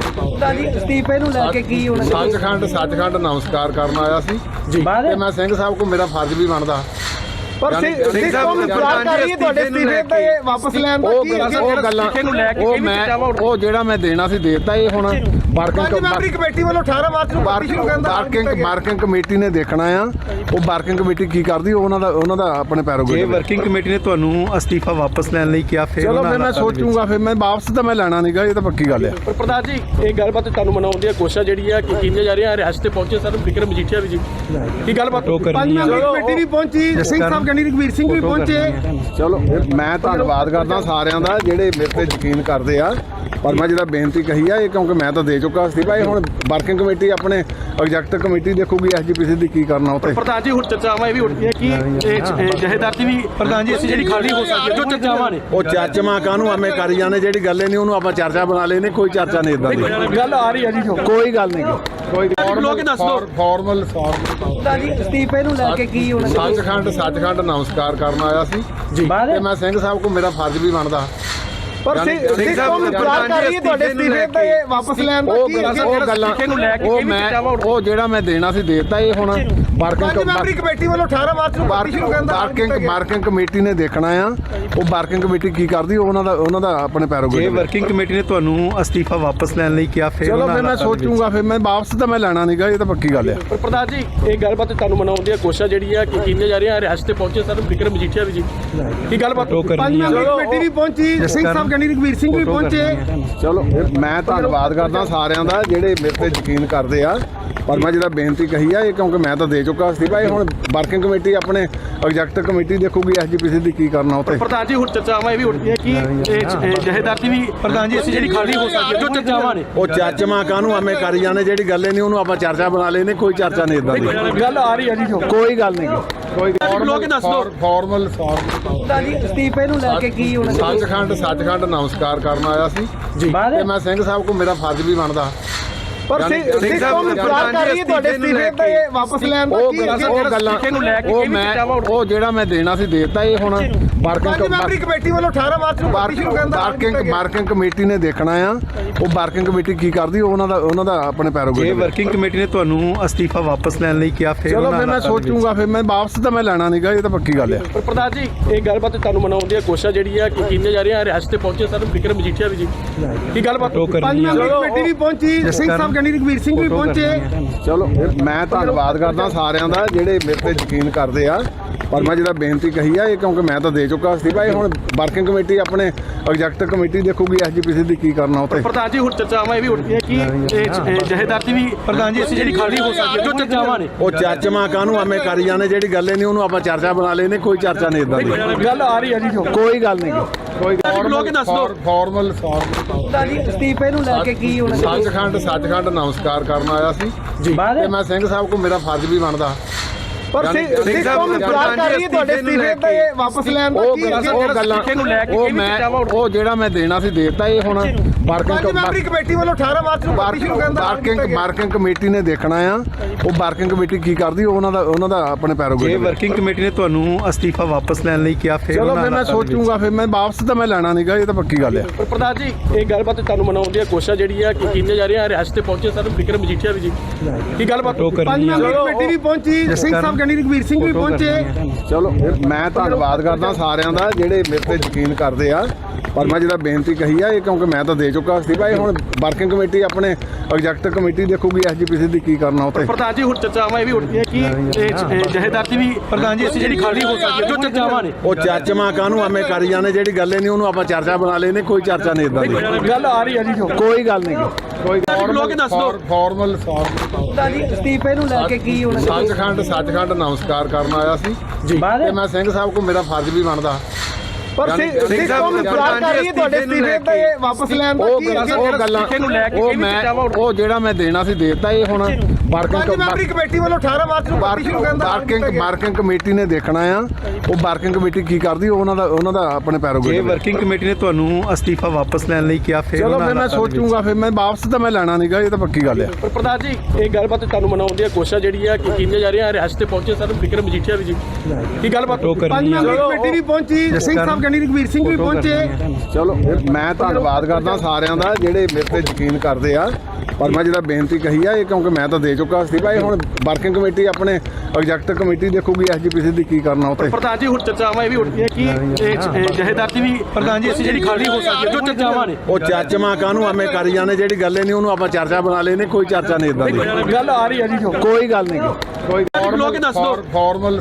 [SPEAKER 2] ਅਸਤੀਫੇ ਨੂੰ ਲੈ ਕੇ ਕੀ ਹੋਣਾ?
[SPEAKER 1] ਸੱਚਖੰਡ ਸੱਚਖੰਡ ਨਮਸਕਾਰ ਕਰਨ ਆਇਆ ਸੀ ਜੀ, ਤੇ ਮੈਂ ਸਿੰਘ ਸਾਹਿਬ ਕੋ ਮੇਰਾ ਫਰਜ਼ ਵੀ ਬਣਦਾ।
[SPEAKER 2] ਪਰ ਸਿੰਘ ਸਾਹਿਬ ਇਤਰਾਜ਼ ਕਰ ਰਹੀ ਹੈ ਤੁਹਾਡੇ ਅਸਤੀਫੇ ਤੇ ਵਾਪਸ ਲੈਣ ਦਾ।
[SPEAKER 1] ਉਹ
[SPEAKER 2] ਕੀ
[SPEAKER 1] ਗੱਲਾਂ ਉਹ ਗੱਲਾਂ ਉਹ ਮੈਂ ਉਹ ਜਿਹੜਾ ਮੈਂ ਦੇਣਾ ਸੀ ਦੇਤਾ। ਇਹ ਹੁਣ
[SPEAKER 2] ਪੰਜ ਮੈਂਬਰੀ
[SPEAKER 1] ਵਰਕਿੰਗ
[SPEAKER 2] ਕਮੇਟੀ ਵੱਲੋਂ ਅਠਾਰਾਂ ਮਾਰਚ ਨੂੰ ਪਾਰਟੀ ਸ਼ੁਰੂ ਕਰਨ ਦਾ
[SPEAKER 1] ਵਰਕਿੰਗ ਵਰਕਿੰਗ ਕਮੇਟੀ ਨੇ ਦੇਖਣਾ ਆ, ਉਹ ਵਰਕਿੰਗ ਕਮੇਟੀ ਕੀ ਕਰਦੀ ਉਹਨਾਂ ਦਾ ਉਹਨਾਂ ਦਾ ਆਪਣੇ
[SPEAKER 3] ਜੇ
[SPEAKER 1] ਪੈਰੋਗੇ।
[SPEAKER 3] ਵਰਕਿੰਗ ਕਮੇਟੀ ਨੇ ਤੁਹਾਨੂੰ ਅਸਤੀਫਾ ਵਾਪਸ ਲੈਣ ਲਈ ਕਿਹਾ ਫਿਰ
[SPEAKER 1] ਚਲੋ
[SPEAKER 3] ਉਹਨਾਂ
[SPEAKER 1] ਫਿਰ ਮੈਂ
[SPEAKER 3] ਹਾਲਾਤਾਂ ਦੇ ਵਿੱਚ-
[SPEAKER 1] ਸੋਚੂਗਾ, ਫਿਰ ਮੈਂ ਵਾਪਸ ਤਾਂ ਮੈਂ ਲੈਣਾ ਨਹੀਂਗਾ, ਇਹ ਤਾਂ ਪੱਕੀ ਗੱਲ ਆ।
[SPEAKER 4] ਪਰ ਪ੍ਰਧਾਨ ਜੀ ਇਹ ਗੱਲਬਾਤ ਤੁਹਾਨੂੰ ਮਨਾਉਣ ਦੀਆਂ ਕੋਸ਼ਿਸ਼ਾਂ ਜਿਹੜੀ ਆ ਕਿ ਕੀਤੀਆਂ ਜਾ ਰਹੀਆਂ। ਰਿਆਸਤ ਤੇ ਪਹੁੰਚੇ ਸਰ ਵਿਕਰਮ ਮਜੀਠੀਆ ਵੀ ਜੀ, ਕੀ ਗੱਲਬਾਤ
[SPEAKER 3] ਉਹ
[SPEAKER 2] ਪੰਜ
[SPEAKER 3] ਕਰਨੀ ਆ।
[SPEAKER 2] ਮੈਂਬਰੀ ਕਮੇਟੀ ਵੀ ਪਹੁੰਚੀ, ਸਿੰਘ ਸਾਹਿਬ ਗਿਆਨੀ ਰਘਵੀਰ ਸਿੰਘ ਵੀ ਪਹੁੰਚੇ।
[SPEAKER 1] ਚਲੋ ਮੈਂ ਧੰਨਵਾਦ ਕਰਦਾ ਸਾਰਿਆਂ ਦਾ ਜਿਹੜੇ ਮੇਰੇ ਤੇ ਯਕੀਨ ਕਰਦੇ ਆ, ਪਰ ਮੈਂ ਜਿਹੜਾ ਬੇਨਤੀ ਕਹੀ ਆ ਇਹ ਕਿਉਂਕਿ ਮੈਂ ਤਾਂ ਦੇ ਚੁੱਕਾ ਸੀ ਭਾਈ, ਹੁਣ ਵਰਕਿੰਗ ਕਮੇਟੀ ਆਪਣੇ ਐਗਜ਼ੈਕਟਿਵ ਕਮੇਟੀ ਦੇਖੂਗੀ ਐਸਜੀਪੀਸੀ ਦੀ ਕੀ ਕਰਨਾ ਉੱਤੇ।
[SPEAKER 4] ਪ੍ਰਧਾਨ ਜੀ ਹੁਣ ਚਰਚਾਵਾਂ ਇਹ ਵੀ ਉੱਠਦੀਆਂ ਕਿ ਇਹ ਜਹੇਦਾਰ ਦੀ ਵੀ ਪ੍ਰਧਾਨ ਜੀ ਅਸੀਂ ਜਿਹੜੀ ਖਾਲੀ ਹੋ ਸਕਦੀ ਹੈ ਜੋ ਚਰਚਾਵਾਂ ਨੇ
[SPEAKER 1] ਉਹ ਚਾਚਮਾ ਕਾਹਨੂੰ ਐਵੇਂ ਕਰੀ ਜਾਂਦੇ, ਜਿਹੜੀ ਗੱਲ ਹੀ ਨਹੀਂ ਉਹਨੂੰ ਆਪਾਂ ਚਰਚਾ ਬਣਾ ਲੈਨੇ, ਕੋਈ ਚਰਚਾ ਨਹੀਂ ਇਦਾਂ ਦੀ
[SPEAKER 4] ਗੱਲ ਆ ਰਹੀ ਹੈ ਜੀ ਜੋ
[SPEAKER 1] ਕੋਈ ਗੱਲ ਨਹੀਂ ਕੋਈ
[SPEAKER 4] ਬੁਲਾ ਕੇ ਦੱਸ ਦਿਓ।
[SPEAKER 1] ਫਾਰਮਲ
[SPEAKER 2] ਅਸਤੀਫੇ ਨੂੰ ਲੈ ਕੇ ਕੀ ਹੋਣਾ?
[SPEAKER 1] ਸੱਚਖੰਡ ਸੱਚਖੰਡ ਨਮਸਕਾਰ ਕਰਨ ਆਇਆ ਸੀ ਜੀ, ਤੇ ਮੈਂ ਸਿੰਘ ਸਾਹਿਬ ਕੋ ਮੇਰਾ ਫਰਜ਼ ਵੀ ਬਣਦਾ।
[SPEAKER 2] ਪਰ ਸਿੰਘ ਸਾਹਿਬ ਇਤਰਾਜ਼ ਕਰ ਰਹੀ ਹੈ ਤੁਹਾਡੇ ਅਸਤੀਫੇ ਤੇ ਵਾਪਸ ਲੈਣ ਦਾ।
[SPEAKER 1] ਉਹ
[SPEAKER 2] ਕੀ
[SPEAKER 1] ਗੱਲਾਂ ਉਹ ਗੱਲਾਂ ਉਹ ਮੈਂ ਉਹ ਜਿਹੜਾ ਮੈਂ ਦੇਣਾ ਸੀ ਦੇਤਾ। ਇਹ ਹੁਣ
[SPEAKER 2] ਪੰਜ ਮੈਂਬਰੀ
[SPEAKER 1] ਵਰਕਿੰਗ
[SPEAKER 2] ਕਮੇਟੀ ਵੱਲੋਂ ਅਠਾਰਾਂ ਮਾਰਚ ਨੂੰ ਪਾਰਟੀ ਸ਼ੁਰੂ ਕਰਨ ਦਾ
[SPEAKER 1] ਵਰਕਿੰਗ ਵਰਕਿੰਗ ਕਮੇਟੀ ਨੇ ਦੇਖਣਾ ਆ, ਉਹ ਵਰਕਿੰਗ ਕਮੇਟੀ ਕੀ ਕਰਦੀ ਉਹਨਾਂ ਦਾ ਉਹਨਾਂ ਦਾ ਆਪਣੇ
[SPEAKER 3] ਜੇ
[SPEAKER 1] ਪੈਰੋਗੇ।
[SPEAKER 3] ਵਰਕਿੰਗ ਕਮੇਟੀ ਨੇ ਤੁਹਾਨੂੰ ਅਸਤੀਫਾ ਵਾਪਸ ਲੈਣ ਲਈ ਕਿਹਾ ਫਿਰ
[SPEAKER 1] ਚਲੋ
[SPEAKER 3] ਉਹਨਾਂ
[SPEAKER 1] ਫਿਰ ਮੈਂ
[SPEAKER 3] ਹਾਲਾਤਾਂ ਦੇ ਵਿੱਚ-
[SPEAKER 1] ਸੋਚੂਗਾ, ਫਿਰ ਮੈਂ ਵਾਪਸ ਤਾਂ ਮੈਂ ਲੈਣਾ ਨਹੀਂਗਾ, ਇਹ ਤਾਂ ਪੱਕੀ ਗੱਲ ਆ।
[SPEAKER 4] ਪਰ ਪ੍ਰਧਾਨ ਜੀ ਇਹ ਗੱਲਬਾਤ ਤੁਹਾਨੂੰ ਮਨਾਉਣ ਦੀਆਂ ਕੋਸ਼ਿਸ਼ਾਂ ਜਿਹੜੀ ਆ ਕਿ ਕੀਤੀਆਂ ਜਾ ਰਹੀਆਂ। ਰਿਆਸਤ ਤੇ ਪਹੁੰਚੇ ਸਰ ਵਿਕਰਮ ਮਜੀਠੀਆ ਵੀ ਜੀ, ਕੀ ਗੱਲਬਾਤ
[SPEAKER 3] ਉਹ
[SPEAKER 2] ਪੰਜ
[SPEAKER 3] ਕਰਨੀ ਆ।
[SPEAKER 2] ਮੈਂਬਰੀ ਕਮੇਟੀ ਵੀ ਪਹੁੰਚੀ, ਸਿੰਘ ਸਾਹਿਬ ਗਿਆਨੀ ਰਘਵੀਰ ਸਿੰਘ ਵੀ ਪਹੁੰਚੇ।
[SPEAKER 1] ਚਲੋ ਮੈਂ ਧੰਨਵਾਦ ਕਰਦਾ ਸਾਰਿਆਂ ਦਾ ਜਿਹੜੇ ਮੇਰੇ ਤੇ ਯਕੀਨ ਕਰਦੇ ਆ, ਪਰ ਮੈਂ ਜਿਹੜਾ ਬੇਨਤੀ ਕਹੀ ਆ ਇਹ ਕਿਉਂਕਿ ਮੈਂ ਤਾਂ ਦੇ ਚੁੱਕਾ ਸੀ ਭਾਈ, ਹੁਣ ਵਰਕਿੰਗ ਕਮੇਟੀ ਆਪਣੇ ਐਗਜ਼ੈਕਟਿਵ ਕਮੇਟੀ ਦੇਖੂਗੀ ਐਸਜੀਪੀਸੀ ਦੀ ਕੀ ਕਰਨਾ ਉੱਤੇ।
[SPEAKER 4] ਪ੍ਰਧਾਨ ਜੀ ਹੁਣ ਚਰਚਾਵਾਂ ਇਹ ਵੀ ਉੱਠਦੀਆਂ ਕਿ ਇਹ ਜਹੇਦਾਰ ਦੀ ਵੀ ਪ੍ਰਧਾਨ ਜੀ ਅਸੀਂ ਜਿਹੜੀ ਖਾਲੀ ਹੋ ਸਕਦੀ ਹੈ ਜੋ ਚਰਚਾਵਾਂ ਨੇ
[SPEAKER 1] ਉਹ ਚਾਚਮਾ ਕਾਹਨੂੰ ਐਵੇਂ ਕਰੀ ਜਾਂਦੇ, ਜਿਹੜੀ ਗੱਲ ਹੀ ਨਹੀਂ ਉਹਨੂੰ ਆਪਾਂ ਚਰਚਾ ਬਣਾ ਲੈਨੇ, ਕੋਈ ਚਰਚਾ ਨਹੀਂ ਇਦਾਂ ਦੀ
[SPEAKER 4] ਗੱਲ ਆ ਰਹੀ ਹੈ ਜੀ ਜੋ
[SPEAKER 1] ਕੋਈ ਗੱਲ ਨਹੀਂ ਕੋਈ
[SPEAKER 4] ਬੁਲਾ ਕੇ ਦੱਸ ਦਿਓ।
[SPEAKER 1] ਫਾਰਮਲ
[SPEAKER 2] ਅਸਤੀਫੇ ਨੂੰ ਲੈ ਕੇ ਕੀ ਹੋਣਾ?
[SPEAKER 1] ਸੱਚਖੰਡ ਸੱਚਖੰਡ ਨਮਸਕਾਰ ਕਰਨ ਆਇਆ ਸੀ ਜੀ, ਤੇ ਮੈਂ ਸਿੰਘ ਸਾਹਿਬ ਕੋ ਮੇਰਾ ਫਰਜ਼ ਵੀ ਬਣਦਾ।
[SPEAKER 2] ਪਰ ਸਿੰਘ ਸਾਹਿਬ ਇਤਰਾਜ਼ ਕਰ ਰਹੀ ਹੈ ਤੁਹਾਡੇ ਅਸਤੀਫੇ ਤੇ ਵਾਪਸ ਲੈਣ ਦਾ।
[SPEAKER 1] ਉਹ
[SPEAKER 2] ਕੀ
[SPEAKER 1] ਗੱਲਾਂ ਉਹ ਗੱਲਾਂ ਉਹ ਮੈਂ ਉਹ ਜਿਹੜਾ ਮੈਂ ਦੇਣਾ ਸੀ ਦੇਤਾ। ਇਹ ਹੁਣ
[SPEAKER 2] ਪੰਜ ਮੈਂਬਰੀ
[SPEAKER 1] ਵਰਕਿੰਗ
[SPEAKER 2] ਕਮੇਟੀ ਵੱਲੋਂ ਅਠਾਰਾਂ ਮਾਰਚ ਨੂੰ ਪਾਰਟੀ ਸ਼ੁਰੂ ਕਰਨ ਦਾ
[SPEAKER 1] ਵਰਕਿੰਗ ਵਰਕਿੰਗ ਕਮੇਟੀ ਨੇ ਦੇਖਣਾ ਆ, ਉਹ ਵਰਕਿੰਗ ਕਮੇਟੀ ਕੀ ਕਰਦੀ ਉਹਨਾਂ ਦਾ ਉਹਨਾਂ ਦਾ ਆਪਣੇ
[SPEAKER 3] ਜੇ
[SPEAKER 1] ਪੈਰੋਗੇ।
[SPEAKER 3] ਵਰਕਿੰਗ ਕਮੇਟੀ ਨੇ ਤੁਹਾਨੂੰ ਅਸਤੀਫਾ ਵਾਪਸ ਲੈਣ ਲਈ ਕਿਹਾ ਫਿਰ
[SPEAKER 1] ਚਲੋ
[SPEAKER 3] ਉਹਨਾਂ
[SPEAKER 1] ਫਿਰ ਮੈਂ
[SPEAKER 3] ਹਾਲਾਤਾਂ ਦੇ ਵਿੱਚ-
[SPEAKER 1] ਸੋਚੂਗਾ, ਫਿਰ ਮੈਂ ਵਾਪਸ ਤਾਂ ਮੈਂ ਲੈਣਾ ਨਹੀਂਗਾ, ਇਹ ਤਾਂ ਪੱਕੀ ਗੱਲ ਆ।
[SPEAKER 4] ਪਰ ਪ੍ਰਧਾਨ ਜੀ ਇਹ ਗੱਲਬਾਤ ਤੁਹਾਨੂੰ ਮਨਾਉਣ ਦੀਆਂ ਕੋਸ਼ਿਸ਼ਾਂ ਜਿਹੜੀ ਆ ਕਿ ਕੀਤੀਆਂ ਜਾ ਰਹੀਆਂ। ਰਿਆਸਤ ਤੇ ਪਹੁੰਚੇ ਸਰ ਵਿਕਰਮ ਮਜੀਠੀਆ ਵੀ ਜੀ, ਕੀ ਗੱਲਬਾਤ
[SPEAKER 3] ਉਹ
[SPEAKER 2] ਪੰਜ
[SPEAKER 3] ਕਰਨੀ ਆ।
[SPEAKER 2] ਮੈਂਬਰੀ ਕਮੇਟੀ ਵੀ ਪਹੁੰਚੀ, ਸਿੰਘ ਸਾਹਿਬ ਗਿਆਨੀ ਰਘਵੀਰ ਸਿੰਘ ਵੀ ਪਹੁੰਚੇ।
[SPEAKER 1] ਚਲੋ ਮੈਂ ਧੰਨਵਾਦ ਕਰਦਾ ਸਾਰਿਆਂ ਦਾ ਜਿਹੜੇ ਮੇਰੇ ਤੇ ਯਕੀਨ ਕਰਦੇ ਆ, ਪਰ ਮੈਂ ਜਿਹੜਾ ਬੇਨਤੀ ਕਹੀ ਆ ਇਹ ਕਿਉਂਕਿ ਮੈਂ ਤਾਂ ਦੇ ਚੁੱਕਾ ਸੀ ਭਾਈ, ਹੁਣ ਵਰਕਿੰਗ ਕਮੇਟੀ ਆਪਣੇ ਐਗਜ਼ੈਕਟਿਵ ਕਮੇਟੀ ਦੇਖੂਗੀ ਐਸਜੀਪੀਸੀ ਦੀ ਕੀ ਕਰਨਾ ਉੱਤੇ।
[SPEAKER 4] ਪ੍ਰਧਾਨ ਜੀ ਹੁਣ ਚਰਚਾਵਾਂ ਇਹ ਵੀ ਉੱਠਦੀਆਂ ਕਿ ਇਹ ਜਹੇਦਾਰ ਦੀ ਵੀ ਪ੍ਰਧਾਨ ਜੀ ਅਸੀਂ ਜਿਹੜੀ ਖਾਲੀ ਹੋ ਸਕਦੀ ਹੈ ਜੋ ਚਰਚਾਵਾਂ ਨੇ
[SPEAKER 1] ਉਹ ਚਾਚਮਾ ਕਾਹਨੂੰ ਐਵੇਂ ਕਰੀ ਜਾਂਦੇ, ਜਿਹੜੀ ਗੱਲ ਹੀ ਨਹੀਂ ਉਹਨੂੰ ਆਪਾਂ ਚਰਚਾ ਬਣਾ ਲੈਨੇ, ਕੋਈ ਚਰਚਾ ਨਹੀਂ ਇਦਾਂ ਦੀ
[SPEAKER 4] ਗੱਲ ਆ ਰਹੀ ਹੈ ਜੀ ਜੋ
[SPEAKER 1] ਕੋਈ ਗੱਲ ਨਹੀਂ ਕੋਈ
[SPEAKER 4] ਬੁਲਾ ਕੇ ਦੱਸ ਦਿਓ।
[SPEAKER 1] ਫਾਰਮਲ
[SPEAKER 2] ਅਸਤੀਫੇ ਨੂੰ ਲੈ ਕੇ ਕੀ ਹੋਣਾ?
[SPEAKER 1] ਸੱਚਖੰਡ ਸੱਚਖੰਡ ਨਮਸਕਾਰ ਕਰਨ ਆਇਆ ਸੀ ਜੀ, ਤੇ ਮੈਂ ਸਿੰਘ ਸਾਹਿਬ ਕੋ ਮੇਰਾ ਫਰਜ਼ ਵੀ ਬਣਦਾ।
[SPEAKER 2] ਪਰ ਸਿੱਖ ਕੌਮ ਇੰਤਜ਼ਾਰ ਕਰ ਰਹੀ ਹੈ ਤੁਹਾਡੇ ਅਸਤੀਫੇ ਤੇ ਵਾਪਸ ਲੈਣ ਦਾ
[SPEAKER 1] ਉਹ
[SPEAKER 2] ਕੀ
[SPEAKER 1] ਗੱਲਾਂ ਉਹ ਗੱਲਾਂ
[SPEAKER 4] ਨੂੰ ਲੈ ਕੇ
[SPEAKER 1] ਉਹ
[SPEAKER 4] ਕਿਹੜੀ
[SPEAKER 1] ਮੈਂ
[SPEAKER 4] ਚਰਚਾਵਾਂ
[SPEAKER 1] ਉਹ ਜਿਹੜਾ ਮੈਂ ਦੇਣਾ ਸੀ ਦੇਤਾ ਇਹ ਹੁਣ
[SPEAKER 2] ਪੰਜ
[SPEAKER 1] ਵਰਕਿੰਗ
[SPEAKER 2] ਮੈਂਬਰੀ ਕਮੇਟੀ ਵੱਲੋਂ ਅਠਾਰਾਂ ਮਾਰਚ ਨੂੰ ਪਾਰਟੀ ਸ਼ੁਰੂ ਕਰਨ ਦਾ ਐਲਾਨ ਕੀਤਾ
[SPEAKER 1] ਵਰਕਿੰਗ
[SPEAKER 2] ਗਿਆ।
[SPEAKER 1] ਵਰਕਿੰਗ ਕਮੇਟੀ ਨੇ ਦੇਖਣਾ ਆ ਉਹ ਵਰਕਿੰਗ ਕਮੇਟੀ ਕੀ ਕਰਦੀ ਉਹ ਉਹਨਾਂ ਦਾ ਉਹਨਾਂ ਦਾ ਆਪਣੇ
[SPEAKER 3] ਜੇ
[SPEAKER 1] ਪੈਰੋਗੇ
[SPEAKER 3] ਵਰਕਿੰਗ ਕਮੇਟੀ ਨੇ ਤੁਹਾਨੂੰ ਅਸਤੀਫਾ ਵਾਪਸ ਲੈਣ ਲਈ ਕਿਹਾ ਫਿਰ
[SPEAKER 1] ਚਲੋ
[SPEAKER 3] ਉਹਨਾਂ
[SPEAKER 1] ਫਿਰ ਮੈਂ
[SPEAKER 3] ਹਾਲਾਤਾਂ ਦੇ ਵਿੱਚ-
[SPEAKER 1] ਸੋਚੂਗਾ ਫਿਰ ਮੈਂ ਵਾਪਸ ਤਾਂ ਮੈਂ ਲੈਣਾ ਨਹੀਂਗਾ ਇਹ ਤਾਂ ਪੱਕੀ ਗੱਲ ਆ
[SPEAKER 4] ਪਰ ਪ੍ਰਧਾਨ ਜੀ ਇਹ ਗੱਲਬਾਤ ਤੁਹਾਨੂੰ ਮਨਾਉਣ ਦੀ ਕੋਸ਼ਿਸ਼ ਜਿਹੜੀ ਆ ਕਿ ਕੀਤੀਆਂ ਜਾ ਰਹੀਆਂ ਰਿਹਾਸਤ ਤੇ ਪਹੁੰਚੇ ਸਰ ਵਿਕਰਮ ਮਜੀਠੀਆ ਵੀ ਜੀ ਕੀ ਗੱਲਬਾਤ
[SPEAKER 3] ਉਹ ਕਰਨੀ
[SPEAKER 2] ਪੰਜ
[SPEAKER 3] ਆ।
[SPEAKER 2] ਮੈਂਬਰੀ ਕਮੇਟੀ ਵੀ ਪਹੁੰਚੀ ਸਿੰਘ ਸਾਹਿਬ ਗੰਡੀ ਰਘਵੀਰ ਸਿੰਘ ਵੀ ਪਹੁੰਚੇ
[SPEAKER 1] ਚਲੋ ਫਿਰ ਮੈਂ ਧੰਨਵਾਦ ਕਰਦਾ ਸਾਰਿਆਂ ਦਾ ਜਿਹੜੇ ਮੇਰੇ ਤੇ ਯਕੀਨ ਕਰਦੇ ਆ ਪਰ ਮੈਂ ਜਿਹੜਾ ਬੇਨਤੀ ਕਹੀ ਆ ਇਹ ਕਿਉਂਕਿ ਮੈਂ ਤਾਂ ਦੇ ਚੁੱਕਾ ਸੀ ਭਾਈ ਹੁਣ ਵਰਕਿੰਗ ਕਮੇਟੀ ਆਪਣੇ ਐਗਜ਼ੈਕਟਿਵ ਕਮੇਟੀ ਦੇਖੂਗੀ ਐਸਜੀਪੀਸੀ ਦੀ ਕੀ ਕਰਨਾ ਉੱਤੇ
[SPEAKER 4] ਪ੍ਰਧਾਨ ਜੀ ਹੁਣ ਚਰਚਾਵਾਂ ਇਹ ਵੀ ਉੱਠਦੀਆਂ ਕਿ ਇਹ ਜਹੇਦਾਰ ਦੀ ਵੀ ਪ੍ਰਧਾਨ ਜੀ ਅਸੀਂ ਜਿਹੜੀ ਖਾਲੀ ਹੋ ਸਕਦੀ ਹੈ ਜੋ ਚਰਚਾਵਾਂ ਨੇ
[SPEAKER 1] ਉਹ ਚਾਚਮਾ ਕਾਹਨੂੰ ਐਵੇਂ ਕਰੀ ਜਾਂਦੇ ਜਿਹੜੀ ਗੱਲ ਹੀ ਨਹੀਂ ਉਹਨੂੰ ਆਪਾਂ ਚਰਚਾ ਬਣਾ ਲੈਨੇ ਕੋਈ ਚਰਚਾ ਨਹੀਂ ਇਦਾਂ ਦੀ
[SPEAKER 4] ਗੱਲ ਆ ਰਹੀ ਹੈ ਜੀ ਜੋ
[SPEAKER 1] ਕੋਈ ਗੱਲ ਨਹੀਂ ਕੋਈ
[SPEAKER 4] ਬੁਲਾ ਕੇ ਦੱਸ ਦਿਓ।
[SPEAKER 1] ਫਾਰਮਲ
[SPEAKER 2] ਅਸਤੀਫੇ ਨੂੰ ਲੈ ਕੇ ਕੀ ਹੋਣਾ
[SPEAKER 1] ਸੱਚਖੰਡ ਸੱਚਖੰਡ ਨਮਸਕਾਰ ਕਰਨ ਆਇਆ ਸੀ ਤੇ ਮੈਂ ਸਿੰਘ ਸਾਹਿਬ ਕੋ ਮੇਰਾ ਫਰਜ਼ ਵੀ ਬਣਦਾ
[SPEAKER 2] ਪਰ ਸਿੱਖ ਕੌਮ ਇੰਤਜ਼ਾਰ ਕਰ ਰਹੀ ਹੈ ਤੁਹਾਡੇ ਅਸਤੀਫੇ ਤੇ ਵਾਪਸ ਲੈਣ ਦਾ
[SPEAKER 1] ਉਹ
[SPEAKER 2] ਕੀ
[SPEAKER 1] ਗੱਲਾਂ ਉਹ ਗੱਲਾਂ
[SPEAKER 4] ਨੂੰ ਲੈ ਕੇ
[SPEAKER 1] ਉਹ
[SPEAKER 4] ਕਿਹੜੀ
[SPEAKER 1] ਮੈਂ
[SPEAKER 4] ਚਰਚਾਵਾਂ
[SPEAKER 1] ਉਹ ਜਿਹੜਾ ਮੈਂ ਦੇਣਾ ਸੀ ਦੇਤਾ ਇਹ ਹੁਣ
[SPEAKER 2] ਪੰਜ ਮੈਂਬਰੀ
[SPEAKER 1] ਵਰਕਿੰਗ
[SPEAKER 2] ਕਮੇਟੀ ਵੱਲੋਂ ਅਠਾਰਾਂ ਮਾਰਚ ਨੂੰ ਪਾਰਟੀ ਸ਼ੁਰੂ ਕਰਨ ਦਾ ਐਲਾਨ ਕੀਤਾ
[SPEAKER 1] ਵਰਕਿੰਗ
[SPEAKER 2] ਗਿਆ।
[SPEAKER 1] ਵਰਕਿੰਗ ਕਮੇਟੀ ਨੇ ਦੇਖਣਾ ਆ ਉਹ ਵਰਕਿੰਗ ਕਮੇਟੀ ਕੀ ਕਰਦੀ ਉਹ ਉਹਨਾਂ ਦਾ ਉਹਨਾਂ ਦਾ ਆਪਣੇ
[SPEAKER 3] ਜੇ
[SPEAKER 1] ਪੈਰੋਗੇ
[SPEAKER 3] ਵਰਕਿੰਗ ਕਮੇਟੀ ਨੇ ਤੁਹਾਨੂੰ ਅਸਤੀਫਾ ਵਾਪਸ ਲੈਣ ਲਈ ਕਿਹਾ ਫਿਰ
[SPEAKER 1] ਚਲੋ
[SPEAKER 3] ਉਹਨਾਂ
[SPEAKER 1] ਫਿਰ ਮੈਂ
[SPEAKER 3] ਹਾਲਾਤਾਂ ਦੇ ਵਿੱਚ-
[SPEAKER 1] ਸੋਚੂਗਾ ਫਿਰ ਮੈਂ ਵਾਪਸ ਤਾਂ ਮੈਂ ਲੈਣਾ ਨਹੀਂਗਾ ਇਹ ਤਾਂ ਪੱਕੀ ਗੱਲ ਆ
[SPEAKER 4] ਪਰ ਪ੍ਰਧਾਨ ਜੀ ਇਹ ਗੱਲਬਾਤ ਤੁਹਾਨੂੰ ਮਨਾਉਣ ਦੀ ਕੋਸ਼ਿਸ਼ ਜਿਹੜੀ ਆ ਕਿ ਕੀਤੀਆਂ ਜਾ ਰਹੀਆਂ ਰਿਹਾਸਤ ਤੇ ਪਹੁੰਚੇ ਸਰ ਵਿਕਰਮ ਮਜੀਠੀਆ ਵੀ ਜੀ ਕੀ ਗੱਲਬਾਤ
[SPEAKER 3] ਉਹ
[SPEAKER 2] ਪੰਜ
[SPEAKER 3] ਕਰਨੀ ਆ।
[SPEAKER 2] ਮੈਂਬਰੀ ਕਮੇਟੀ ਵੀ ਪਹੁੰਚੀ ਸਿੰਘ ਸਾਹਿਬ ਗੰਡੀ ਰਘਵੀਰ ਸਿੰਘ ਵੀ ਪਹੁੰਚੇ
[SPEAKER 1] ਚਲੋ ਫਿਰ ਮੈਂ ਧੰਨਵਾਦ ਕਰਦਾ ਸਾਰਿਆਂ ਦਾ ਜਿਹੜੇ ਮੇਰੇ ਤੇ ਯਕੀਨ ਕਰਦੇ ਆ ਪਰ ਮੈਂ ਜਿਹੜਾ ਬੇਨਤੀ ਕਹੀ ਆ ਇਹ ਕਿਉਂਕਿ ਮੈਂ ਤਾਂ ਦੇ ਚੁੱਕਾ ਸੀ ਭਾਈ ਹੁਣ ਵਰਕਿੰਗ ਕਮੇਟੀ ਆਪਣੇ ਐਗਜ਼ੈਕਟਿਵ ਕਮੇਟੀ ਦੇਖੂਗੀ ਐਸਜੀਪੀਸੀ ਦੀ ਕੀ ਕਰਨਾ ਉੱਤੇ
[SPEAKER 4] ਪ੍ਰਧਾਨ ਜੀ ਹੁਣ ਚਰਚਾਵਾਂ ਇਹ ਵੀ ਉੱਠਦੀਆਂ ਕਿ ਇਹ ਜਹੇਦਾਰ ਦੀ ਵੀ ਪ੍ਰਧਾਨ ਜੀ ਅਸੀਂ ਜਿਹੜੀ ਖਾਲੀ ਹੋ ਸਕਦੀ ਹੈ ਜੋ ਚਰਚਾਵਾਂ ਨੇ
[SPEAKER 1] ਉਹ ਚਾਚਮਾ ਕਾਹਨੂੰ ਐਵੇਂ ਕਰੀ ਜਾਂਦੇ ਜਿਹੜੀ ਗੱਲ ਹੀ ਨਹੀਂ ਉਹਨੂੰ ਆਪਾਂ ਚਰਚਾ ਬਣਾ ਲੈਨੇ ਕੋਈ ਚਰਚਾ ਨਹੀਂ ਇਦਾਂ ਦੀ
[SPEAKER 4] ਗੱਲ ਆ ਰਹੀ ਹੈ ਜੀ ਜੋ
[SPEAKER 1] ਕੋਈ ਗੱਲ ਨਹੀਂ ਕੋਈ
[SPEAKER 4] ਬੁਲਾ ਕੇ ਦੱਸ ਦਿਓ।
[SPEAKER 1] ਫਾਰਮਲ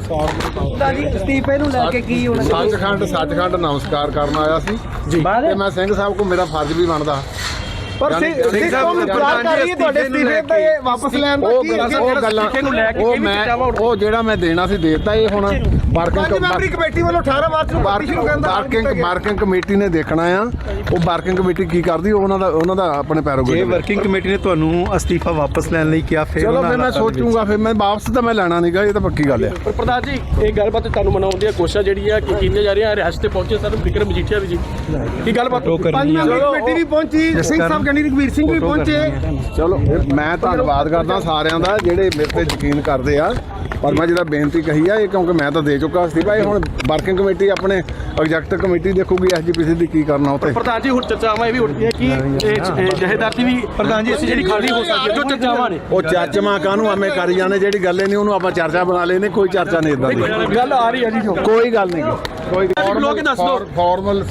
[SPEAKER 2] ਅਸਤੀਫੇ ਨੂੰ ਲੈ ਕੇ ਕੀ ਹੋਣਾ
[SPEAKER 1] ਸੱਚਖੰਡ ਸੱਚਖੰਡ ਨਮਸਕਾਰ ਕਰਨ ਆਇਆ ਸੀ ਤੇ ਮੈਂ ਸਿੰਘ ਸਾਹਿਬ ਕੋ ਮੇਰਾ ਫਰਜ਼ ਵੀ ਬਣਦਾ
[SPEAKER 2] ਪਰ ਸਿੱਖ ਕੌਮ ਇੰਤਜ਼ਾਰ ਕਰ ਰਹੀ ਹੈ ਤੁਹਾਡੇ ਅਸਤੀਫੇ ਤੇ ਵਾਪਸ ਲੈਣ ਦਾ
[SPEAKER 1] ਉਹ
[SPEAKER 2] ਕੀ
[SPEAKER 1] ਗੱਲਾਂ ਉਹ ਗੱਲਾਂ
[SPEAKER 4] ਨੂੰ ਲੈ ਕੇ
[SPEAKER 1] ਉਹ
[SPEAKER 4] ਕਿਹੜੀ
[SPEAKER 1] ਮੈਂ
[SPEAKER 4] ਚਰਚਾਵਾਂ
[SPEAKER 1] ਉਹ ਜਿਹੜਾ ਮੈਂ ਦੇਣਾ ਸੀ ਦੇਤਾ ਇਹ ਹੁਣ
[SPEAKER 2] ਪੰਜ
[SPEAKER 1] ਵਰਕਿੰਗ
[SPEAKER 2] ਮੈਂਬਰੀ ਕਮੇਟੀ ਵੱਲੋਂ ਅਠਾਰਾਂ ਮਾਰਚ ਨੂੰ ਪਾਰਟੀ ਸ਼ੁਰੂ ਕਰਨ ਦਾ ਐਲਾਨ ਕੀਤਾ
[SPEAKER 1] ਵਰਕਿੰਗ
[SPEAKER 2] ਗਿਆ।
[SPEAKER 1] ਵਰਕਿੰਗ ਕਮੇਟੀ ਨੇ ਦੇਖਣਾ ਆ ਉਹ ਵਰਕਿੰਗ ਕਮੇਟੀ ਕੀ ਕਰਦੀ ਉਹ ਉਹਨਾਂ ਦਾ ਉਹਨਾਂ ਦਾ ਆਪਣੇ
[SPEAKER 3] ਜੇ
[SPEAKER 1] ਪੈਰੋਗੇ
[SPEAKER 3] ਵਰਕਿੰਗ ਕਮੇਟੀ ਨੇ ਤੁਹਾਨੂੰ ਅਸਤੀਫਾ ਵਾਪਸ ਲੈਣ ਲਈ ਕਿਹਾ ਫਿਰ
[SPEAKER 1] ਚਲੋ
[SPEAKER 3] ਉਹਨਾਂ
[SPEAKER 1] ਫਿਰ ਮੈਂ
[SPEAKER 3] ਹਾਲਾਤਾਂ ਦੇ ਵਿੱਚ-
[SPEAKER 1] ਸੋਚੂਗਾ ਫਿਰ ਮੈਂ ਵਾਪਸ ਤਾਂ ਮੈਂ ਲੈਣਾ ਨਹੀਂਗਾ ਇਹ ਤਾਂ ਪੱਕੀ ਗੱਲ ਆ
[SPEAKER 4] ਪਰ ਪ੍ਰਧਾਨ ਜੀ ਇਹ ਗੱਲਬਾਤ ਤੁਹਾਨੂੰ ਮਨਾਉਣ ਦੀ ਕੋਸ਼ਿਸ਼ ਜਿਹੜੀ ਆ ਕਿ ਕੀਤੀਆਂ ਜਾ ਰਹੀਆਂ ਰਿਹਾਸਤ ਤੇ ਪਹੁੰਚੇ ਸਰ ਵਿਕਰਮ ਮਜੀਠੀਆ ਵੀ ਜੀ ਕੀ ਗੱਲਬਾਤ
[SPEAKER 3] ਉਹ
[SPEAKER 2] ਪੰਜ
[SPEAKER 3] ਕਰਨੀ ਆ।
[SPEAKER 2] ਮੈਂਬਰੀ ਕਮੇਟੀ ਵੀ ਪਹੁੰਚੀ ਸਿੰਘ ਸਾਹਿਬ ਗੰਡੀ ਰਘਵੀਰ ਸਿੰਘ ਵੀ ਪਹੁੰਚੇ
[SPEAKER 1] ਚਲੋ ਫਿਰ ਮੈਂ ਧੰਨਵਾਦ ਕਰਦਾ ਸਾਰਿਆਂ ਦਾ ਜਿਹੜੇ ਮੇਰੇ ਤੇ ਯਕੀਨ ਕਰਦੇ ਆ ਪਰ ਮੈਂ ਜਿਹੜਾ ਬੇਨਤੀ ਕਹੀ ਆ ਇਹ ਕਿਉਂਕਿ ਮੈਂ ਤਾਂ ਦੇ ਚੁੱਕਾ ਸੀ ਭਾਈ ਹੁਣ ਵਰਕਿੰਗ ਕਮੇਟੀ ਆਪਣੇ ਐਗਜ਼ੈਕਟਿਵ ਕਮੇਟੀ ਦੇਖੂਗੀ ਐਸਜੀਪੀਸੀ ਦੀ ਕੀ ਕਰਨਾ ਉੱਤੇ
[SPEAKER 4] ਪ੍ਰਧਾਨ ਜੀ ਹੁਣ ਚਰਚਾਵਾਂ ਇਹ ਵੀ ਉੱਠਦੀਆਂ ਕਿ ਇਹ ਜਹੇਦਾਰ ਦੀ ਵੀ ਪ੍ਰਧਾਨ ਜੀ ਅਸੀਂ ਜਿਹੜੀ ਖਾਲੀ ਹੋ ਸਕਦੀ ਹੈ ਜੋ ਚਰਚਾਵਾਂ ਨੇ
[SPEAKER 1] ਉਹ ਚਾਚਮਾ ਕਾਹਨੂੰ ਐਵੇਂ ਕਰੀ ਜਾਂਦੇ ਜਿਹੜੀ ਗੱਲ ਹੀ ਨਹੀਂ ਉਹਨੂੰ ਆਪਾਂ ਚਰਚਾ ਬਣਾ ਲੈਨੇ ਕੋਈ ਚਰਚਾ ਨਹੀਂ ਇਦਾਂ ਦੀ
[SPEAKER 4] ਗੱਲ ਆ ਰਹੀ ਹੈ ਜੀ ਜੋ
[SPEAKER 1] ਕੋਈ ਗੱਲ ਨਹੀਂ ਕੋਈ
[SPEAKER 4] ਬੁਲਾ ਕੇ ਦੱਸ ਦਿਓ।
[SPEAKER 1] ਫਾਰਮਲ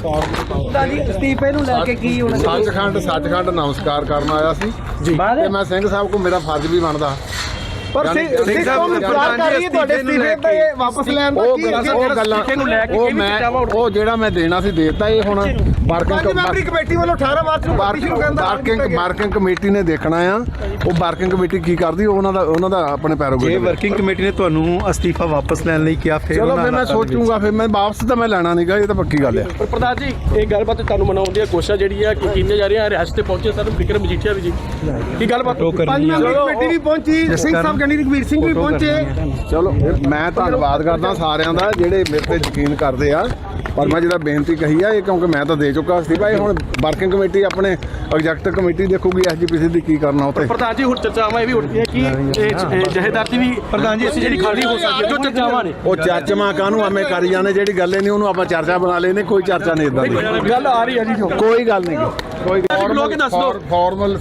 [SPEAKER 2] ਅਸਤੀਫੇ ਨੂੰ ਲੈ ਕੇ ਕੀ ਹੋਣਾ
[SPEAKER 1] ਸੱਚਖੰਡ ਸੱਚਖੰਡ ਨਮਸਕਾਰ ਕਰਨ ਆਇਆ ਸੀ ਤੇ ਮੈਂ ਸਿੰਘ ਸਾਹਿਬ ਕੋ ਮੇਰਾ ਫਰਜ਼ ਵੀ ਬਣਦਾ
[SPEAKER 2] ਪਰ ਸਿੱਖ ਕੌਮ ਇੰਤਜ਼ਾਰ ਕਰ ਰਹੀ ਹੈ ਤੁਹਾਡੇ ਅਸਤੀਫੇ ਤੇ ਵਾਪਸ ਲੈਣ ਦਾ
[SPEAKER 1] ਉਹ
[SPEAKER 2] ਕੀ
[SPEAKER 1] ਗੱਲਾਂ ਉਹ ਗੱਲਾਂ
[SPEAKER 4] ਨੂੰ ਲੈ ਕੇ
[SPEAKER 1] ਉਹ
[SPEAKER 4] ਕਿਹੜੀ
[SPEAKER 1] ਮੈਂ
[SPEAKER 4] ਚਰਚਾਵਾਂ
[SPEAKER 1] ਉਹ ਜਿਹੜਾ ਮੈਂ ਦੇਣਾ ਸੀ ਦੇਤਾ ਇਹ ਹੁਣ
[SPEAKER 2] ਪੰਜ ਮੈਂਬਰੀ
[SPEAKER 1] ਵਰਕਿੰਗ
[SPEAKER 2] ਕਮੇਟੀ ਵੱਲੋਂ ਅਠਾਰਾਂ ਮਾਰਚ ਨੂੰ ਪਾਰਟੀ ਸ਼ੁਰੂ ਕਰਨ ਦਾ ਐਲਾਨ ਕੀਤਾ
[SPEAKER 1] ਵਰਕਿੰਗ
[SPEAKER 2] ਗਿਆ।
[SPEAKER 1] ਵਰਕਿੰਗ ਕਮੇਟੀ ਨੇ ਦੇਖਣਾ ਆ ਉਹ ਵਰਕਿੰਗ ਕਮੇਟੀ ਕੀ ਕਰਦੀ ਉਹ ਉਹਨਾਂ ਦਾ ਉਹਨਾਂ ਦਾ ਆਪਣੇ
[SPEAKER 3] ਜੇ
[SPEAKER 1] ਪੈਰੋਗੇ
[SPEAKER 3] ਵਰਕਿੰਗ ਕਮੇਟੀ ਨੇ ਤੁਹਾਨੂੰ ਅਸਤੀਫਾ ਵਾਪਸ ਲੈਣ ਲਈ ਕਿਹਾ ਫਿਰ
[SPEAKER 1] ਚਲੋ
[SPEAKER 3] ਉਹਨਾਂ
[SPEAKER 1] ਫਿਰ ਮੈਂ
[SPEAKER 3] ਹਾਲਾਤਾਂ ਦੇ ਵਿੱਚ-
[SPEAKER 1] ਸੋਚੂਗਾ ਫਿਰ ਮੈਂ ਵਾਪਸ ਤਾਂ ਮੈਂ ਲੈਣਾ ਨਹੀਂਗਾ ਇਹ ਤਾਂ ਪੱਕੀ ਗੱਲ ਆ
[SPEAKER 4] ਪਰ ਪ੍ਰਧਾਨ ਜੀ ਇਹ ਗੱਲਬਾਤ ਤੁਹਾਨੂੰ ਮਨਾਉਣ ਦੀ ਕੋਸ਼ਿਸ਼ ਜਿਹੜੀ ਆ ਕਿ ਕੀਤੀਆਂ ਜਾ ਰਹੀਆਂ ਰਿਹਾਸਤ ਤੇ ਪਹੁੰਚੇ ਸਰ ਵਿਕਰਮ ਮਜੀਠੀਆ ਵੀ ਜੀ ਕੀ ਗੱਲਬਾਤ
[SPEAKER 3] ਉਹ
[SPEAKER 2] ਪੰਜ
[SPEAKER 3] ਕਰਨੀ ਆ।
[SPEAKER 2] ਮੈਂਬਰੀ ਕਮੇਟੀ ਵੀ ਪਹੁੰਚੀ ਸਿੰਘ ਸਾਹਿਬ ਗੰਡੀ ਰਘਵੀਰ ਸਿੰਘ ਵੀ ਪਹੁੰਚੇ
[SPEAKER 1] ਚਲੋ ਫਿਰ ਮੈਂ ਧੰਨਵਾਦ ਕਰਦਾ ਸਾਰਿਆਂ ਦਾ ਜਿਹੜੇ ਮੇਰੇ ਤੇ ਯਕੀਨ ਕਰਦੇ ਆ ਪਰ ਮੈਂ ਜਿਹੜਾ ਬੇਨਤੀ ਕਹੀ ਆ ਇਹ ਕਿਉਂਕਿ ਮੈਂ ਤਾਂ ਦੇ ਚੁੱਕਾ ਸੀ ਭਾਈ ਹੁਣ ਵਰਕਿੰਗ ਕਮੇਟੀ ਆਪਣੇ ਐਗਜ਼ੈਕਟਿਵ ਕਮੇਟੀ ਦੇਖੂਗੀ ਐਸਜੀਪੀਸੀ ਦੀ ਕੀ ਕਰਨਾ ਉੱਤੇ
[SPEAKER 4] ਪ੍ਰਧਾਨ ਜੀ ਹੁਣ ਚਰਚਾਵਾਂ ਇਹ ਵੀ ਉੱਠਦੀਆਂ ਕਿ ਇਹ ਜਹੇਦਾਰ ਦੀ ਵੀ ਪ੍ਰਧਾਨ ਜੀ ਅਸੀਂ ਜਿਹੜੀ ਖਾਲੀ ਹੋ ਸਕਦੀ ਹੈ ਜੋ ਚਰਚਾਵਾਂ ਨੇ
[SPEAKER 1] ਉਹ ਚਾਚਮਾ ਕਾਹਨੂੰ ਐਵੇਂ ਕਰੀ ਜਾਂਦੇ ਜਿਹੜੀ ਗੱਲ ਹੀ ਨਹੀਂ ਉਹਨੂੰ ਆਪਾਂ ਚਰਚਾ ਬਣਾ ਲੈਨੇ ਕੋਈ ਚਰਚਾ ਨਹੀਂ ਇਦਾਂ ਦੀ
[SPEAKER 4] ਗੱਲ ਆ ਰਹੀ ਹੈ ਜੀ ਜੋ
[SPEAKER 1] ਕੋਈ ਗੱਲ ਨਹੀਂ ਕੋਈ
[SPEAKER 4] ਬੁਲਾ ਕੇ ਦੱਸ ਦਿਓ।
[SPEAKER 1] ਫਾਰਮਲ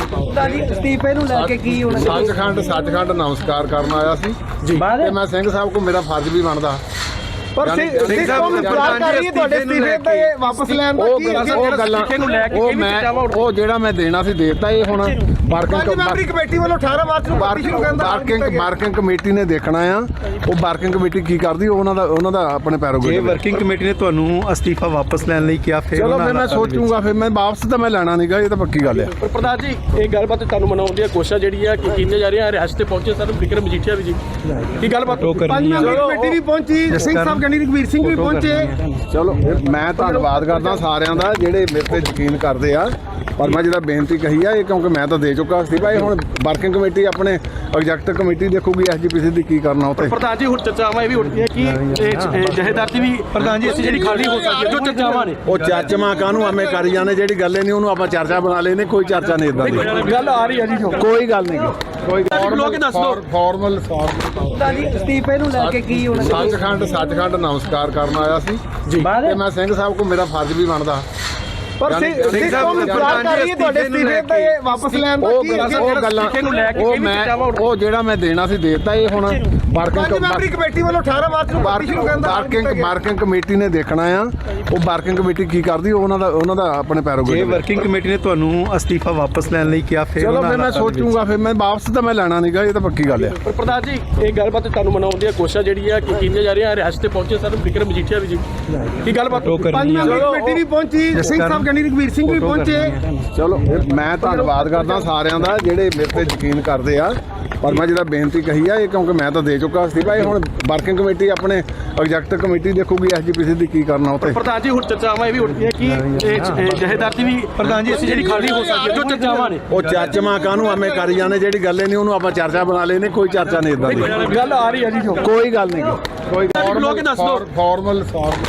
[SPEAKER 2] ਅਸਤੀਫੇ ਨੂੰ ਲੈ ਕੇ ਕੀ ਹੋਣਾ
[SPEAKER 1] ਸੱਚਖੰਡ ਸੱਚਖੰਡ ਨਮਸਕਾਰ ਕਰਨ ਆਇਆ ਸੀ ਤੇ ਮੈਂ ਸਿੰਘ ਸਾਹਿਬ ਕੋ ਮੇਰਾ ਫਰਜ਼ ਵੀ ਬਣਦਾ
[SPEAKER 2] ਪਰ ਸਿੱਖ ਕੌਮ ਇੰਤਜ਼ਾਰ ਕਰ ਰਹੀ ਹੈ ਤੁਹਾਡੇ ਅਸਤੀਫੇ ਤੇ ਵਾਪਸ ਲੈਣ ਦਾ
[SPEAKER 1] ਉਹ
[SPEAKER 2] ਕੀ
[SPEAKER 1] ਗੱਲਾਂ ਉਹ ਗੱਲਾਂ
[SPEAKER 4] ਨੂੰ ਲੈ ਕੇ
[SPEAKER 1] ਉਹ
[SPEAKER 4] ਕਿਹੜੀ
[SPEAKER 1] ਮੈਂ
[SPEAKER 4] ਚਰਚਾਵਾਂ
[SPEAKER 1] ਉਹ ਜਿਹੜਾ ਮੈਂ ਦੇਣਾ ਸੀ ਦੇਤਾ ਇਹ ਹੁਣ
[SPEAKER 2] ਪੰਜ ਮੈਂਬਰੀ
[SPEAKER 1] ਵਰਕਿੰਗ
[SPEAKER 2] ਕਮੇਟੀ ਵੱਲੋਂ ਅਠਾਰਾਂ ਮਾਰਚ ਨੂੰ ਪਾਰਟੀ ਸ਼ੁਰੂ ਕਰਨ ਦਾ ਐਲਾਨ ਕੀਤਾ
[SPEAKER 1] ਵਰਕਿੰਗ
[SPEAKER 2] ਗਿਆ।
[SPEAKER 1] ਵਰਕਿੰਗ ਕਮੇਟੀ ਨੇ ਦੇਖਣਾ ਆ ਉਹ ਵਰਕਿੰਗ ਕਮੇਟੀ ਕੀ ਕਰਦੀ ਉਹ ਉਹਨਾਂ ਦਾ ਉਹਨਾਂ ਦਾ ਆਪਣੇ
[SPEAKER 3] ਜੇ
[SPEAKER 1] ਪੈਰੋਗੇ
[SPEAKER 3] ਵਰਕਿੰਗ ਕਮੇਟੀ ਨੇ ਤੁਹਾਨੂੰ ਅਸਤੀਫਾ ਵਾਪਸ ਲੈਣ ਲਈ ਕਿਹਾ ਫਿਰ
[SPEAKER 1] ਚਲੋ
[SPEAKER 3] ਉਹਨਾਂ
[SPEAKER 1] ਫਿਰ ਮੈਂ
[SPEAKER 3] ਹਾਲਾਤਾਂ ਦੇ ਵਿੱਚ-
[SPEAKER 1] ਸੋਚੂਗਾ ਫਿਰ ਮੈਂ ਵਾਪਸ ਤਾਂ ਮੈਂ ਲੈਣਾ ਨਹੀਂਗਾ ਇਹ ਤਾਂ ਪੱਕੀ ਗੱਲ ਆ
[SPEAKER 4] ਪਰ ਪ੍ਰਧਾਨ ਜੀ ਇਹ ਗੱਲਬਾਤ ਤੁਹਾਨੂੰ ਮਨਾਉਣ ਦੀ ਕੋਸ਼ਿਸ਼ ਜਿਹੜੀ ਆ ਕਿ ਕੀਤੀਆਂ ਜਾ ਰਹੀਆਂ ਰਿਹਾਸਤ ਤੇ ਪਹੁੰਚੇ ਸਰ ਵਿਕਰਮ ਮਜੀਠੀਆ ਵੀ ਜੀ ਕੀ ਗੱਲਬਾਤ
[SPEAKER 3] ਉਹ
[SPEAKER 2] ਪੰਜ
[SPEAKER 3] ਕਰਨੀ ਆ।
[SPEAKER 2] ਮੈਂਬਰੀ ਕਮੇਟੀ ਵੀ ਪਹੁੰਚੀ ਸਿੰਘ ਸਾਹਿਬ ਗੰਡੀ ਰਘਵੀਰ ਸਿੰਘ ਵੀ ਪਹੁੰਚੇ
[SPEAKER 1] ਚਲੋ ਫਿਰ ਮੈਂ ਧੰਨਵਾਦ ਕਰਦਾ ਸਾਰਿਆਂ ਦਾ ਜਿਹੜੇ ਮੇਰੇ ਤੇ ਯਕੀਨ ਕਰਦੇ ਆ ਪਰ ਮੈਂ ਜਿਹੜਾ ਬੇਨਤੀ ਕਹੀ ਆ ਇਹ ਕਿਉਂਕਿ ਮੈਂ ਤਾਂ ਦੇ ਚੁੱਕਾ ਸੀ ਭਾਈ ਹੁਣ ਵਰਕਿੰਗ ਕਮੇਟੀ ਆਪਣੇ ਐਗਜ਼ੈਕਟਿਵ ਕਮੇਟੀ ਦੇਖੂਗੀ ਐਸਜੀਪੀਸੀ ਦੀ ਕੀ ਕਰਨਾ ਉੱਤੇ
[SPEAKER 4] ਪ੍ਰਧਾਨ ਜੀ ਹੁਣ ਚਰਚਾਵਾਂ ਇਹ ਵੀ ਉੱਠਦੀਆਂ ਕਿ ਇਹ ਜਹੇਦਾਰ ਦੀ ਵੀ ਪ੍ਰਧਾਨ ਜੀ ਅਸੀਂ ਜਿਹੜੀ ਖਾਲੀ ਹੋ ਸਕਦੀ ਹੈ ਜੋ ਚਰਚਾਵਾਂ ਨੇ
[SPEAKER 1] ਉਹ ਚਰਚਾਵਾਂ ਕਾਹਨੂੰ ਆਵੇਂ ਕਰੀ ਜਾਂਦੇ ਜਿਹੜੀ ਗੱਲ ਹੀ ਨਹੀਂ ਉਹਨੂੰ ਆਪਾਂ ਚਰਚਾ ਬਣਾ ਲੈਨੇ ਕੋਈ ਚਰਚਾ ਨਹੀਂ ਇਦਾਂ ਦੀ
[SPEAKER 4] ਗੱਲ ਆ ਰਹੀ ਹੈ ਜੀ ਜੋ
[SPEAKER 1] ਕੋਈ ਗੱਲ ਨਹੀਂ ਕੋਈ
[SPEAKER 4] ਲੋਕ ਦੱਸ ਦਿਓ
[SPEAKER 1] ਫਾਰਮਲ
[SPEAKER 2] ਅਸਤੀਫੇ ਨੂੰ ਲੈ ਕੇ ਕੀ ਹੋਣਾ
[SPEAKER 1] ਸੱਚਖੰਡ ਸੱਚਖੰਡ ਨਮਸਕਾਰ ਕਰਨ ਆਇਆ ਸੀ ਤੇ ਮੈਂ ਸਿੰਘ ਸਾਹਿਬ ਕੋ ਮੇਰਾ ਫਰਜ਼ ਵੀ ਬਣਦਾ
[SPEAKER 2] ਪਰ ਸਿੱਖ ਕੌਮ ਇੰਤਜ਼ਾਰ ਕਰ ਰਹੀ ਹੈ ਤੁਹਾਡੇ ਅਸਤੀਫੇ ਤੇ ਵਾਪਸ ਲੈਣ ਦਾ
[SPEAKER 1] ਉਹ
[SPEAKER 2] ਕੀ
[SPEAKER 1] ਉਹ ਗੱਲਾਂ ਉਹ ਮੈਂ ਉਹ ਜਿਹੜਾ ਮੈਂ ਦੇਣਾ ਸੀ ਦੇਤਾ ਇਹ ਹੁਣ
[SPEAKER 2] ਪੰਜ ਮੈਂਬਰੀ ਕਮੇਟੀ ਵੱਲੋਂ ਅਠਾਰਾਂ ਮਾਰਚ ਨੂੰ ਪਾਰਟੀ ਸ਼ੁਰੂ ਕਰਨ ਦਾ
[SPEAKER 1] ਵਰਕਿੰਗ ਵਰਕਿੰਗ ਕਮੇਟੀ ਨੇ ਦੇਖਣਾ ਆ ਉਹ ਵਰਕਿੰਗ ਕਮੇਟੀ ਕੀ ਕਰਦੀ ਉਹਨਾਂ ਦਾ ਉਹਨਾਂ ਦਾ ਆਪਣੇ ਪੈਰੋਗੇ
[SPEAKER 3] ਜੇ ਵਰਕਿੰਗ ਕਮੇਟੀ ਨੇ ਤੁਹਾਨੂੰ ਅਸਤੀਫਾ ਵਾਪਸ ਲੈਣ ਲਈ ਕਿਹਾ ਫਿਰ
[SPEAKER 1] ਚਲੋ ਫਿਰ ਮੈਂ ਸੋਚੂਗਾ ਫਿਰ ਮੈਂ ਵਾਪਸ ਤਾਂ ਮੈਂ ਲੈਣਾ ਨਹੀਂਗਾ ਇਹ ਤਾਂ ਪੱਕੀ ਗੱਲ ਆ
[SPEAKER 4] ਪਰ ਪ੍ਰਧਾਨ ਜੀ ਇਹ ਗੱਲਬਾਤ ਤੁਹਾਨੂੰ ਮਨਾਉਣ ਦੀ ਕੋਸ਼ਿਸ਼ ਜਿਹੜੀ ਆ ਕਿ ਕੀਤੀਆਂ ਜਾ ਰਹੀਆਂ ਰਿਹਾਸਤ ਤੇ ਪਹੁੰਚੇ ਸਰ ਵਿਕਰਮ ਮਜੀਠੀਆ ਵੀ ਜੀ ਕੀ ਗੱਲਬਾਤ
[SPEAKER 2] ਪੰਜ ਮੈਂਬਰੀ ਕਮੇਟੀ ਵੀ ਪਹੁੰਚੀ ਸਿੰਘ ਸਾਹਿਬ ਗੰਡੀ ਰਘਵੀਰ ਸਿੰਘ ਵੀ ਪਹੁੰਚੇ
[SPEAKER 1] ਚਲੋ ਮੈਂ ਧੰਨਵਾਦ ਕਰਦਾ ਸਾਰਿਆਂ ਦਾ ਜਿਹੜੇ ਮੇਰੇ ਤੇ ਯਕੀਨ ਕਰਦੇ ਆ ਪਰ ਮੈਂ ਜਿਹੜਾ ਬੇਨਤੀ ਕਹੀ ਆ ਇਹ ਕਿਉਂਕਿ ਮੈਂ ਤਾਂ ਦੇ ਚੁੱਕਾ ਸੀ ਭਾਈ ਹੁਣ ਵਰਕਿੰਗ ਕਮੇਟੀ ਆਪਣੇ ਐਗਜ਼ੈਕਟਿਵ ਕਮੇਟੀ ਦੇਖੂਗੀ ਐਸਜੀਪੀਸੀ ਦੀ ਕੀ ਕਰਨਾ ਉੱਤੇ
[SPEAKER 4] ਪ੍ਰਧਾਨ ਜੀ ਹੁਣ ਚਰਚਾਵਾਂ ਇਹ ਵੀ ਉੱਠਦੀਆਂ ਕਿ ਇਹ ਜਹੇਦਾਰ ਦੀ ਵੀ ਪ੍ਰਧਾਨ ਜੀ ਅਸੀਂ ਜਿਹੜੀ ਖਾਲੀ ਹੋ ਸਕਦੀ ਹੈ ਜੋ ਚਰਚਾਵਾਂ ਨੇ
[SPEAKER 1] ਉਹ ਚਰਚਾਵਾਂ ਕਾਹਨੂੰ ਆਵੇਂ ਕਰੀ ਜਾਂਦੇ ਜਿਹੜੀ ਗੱਲ ਹੀ ਨਹੀਂ ਉਹਨੂੰ ਆਪਾਂ ਚਰਚਾ ਬਣਾ ਲੈਨੇ ਕੋਈ ਚਰਚਾ ਨਹੀਂ ਇਦਾਂ ਦੀ
[SPEAKER 4] ਗੱਲ ਆ ਰਹੀ ਹੈ ਜੀ ਜੋ
[SPEAKER 1] ਕੋਈ ਗੱਲ ਨਹੀਂ ਕੋਈ
[SPEAKER 4] ਲੋਕ ਦੱਸ ਦਿਓ
[SPEAKER 1] ਫਾਰਮਲ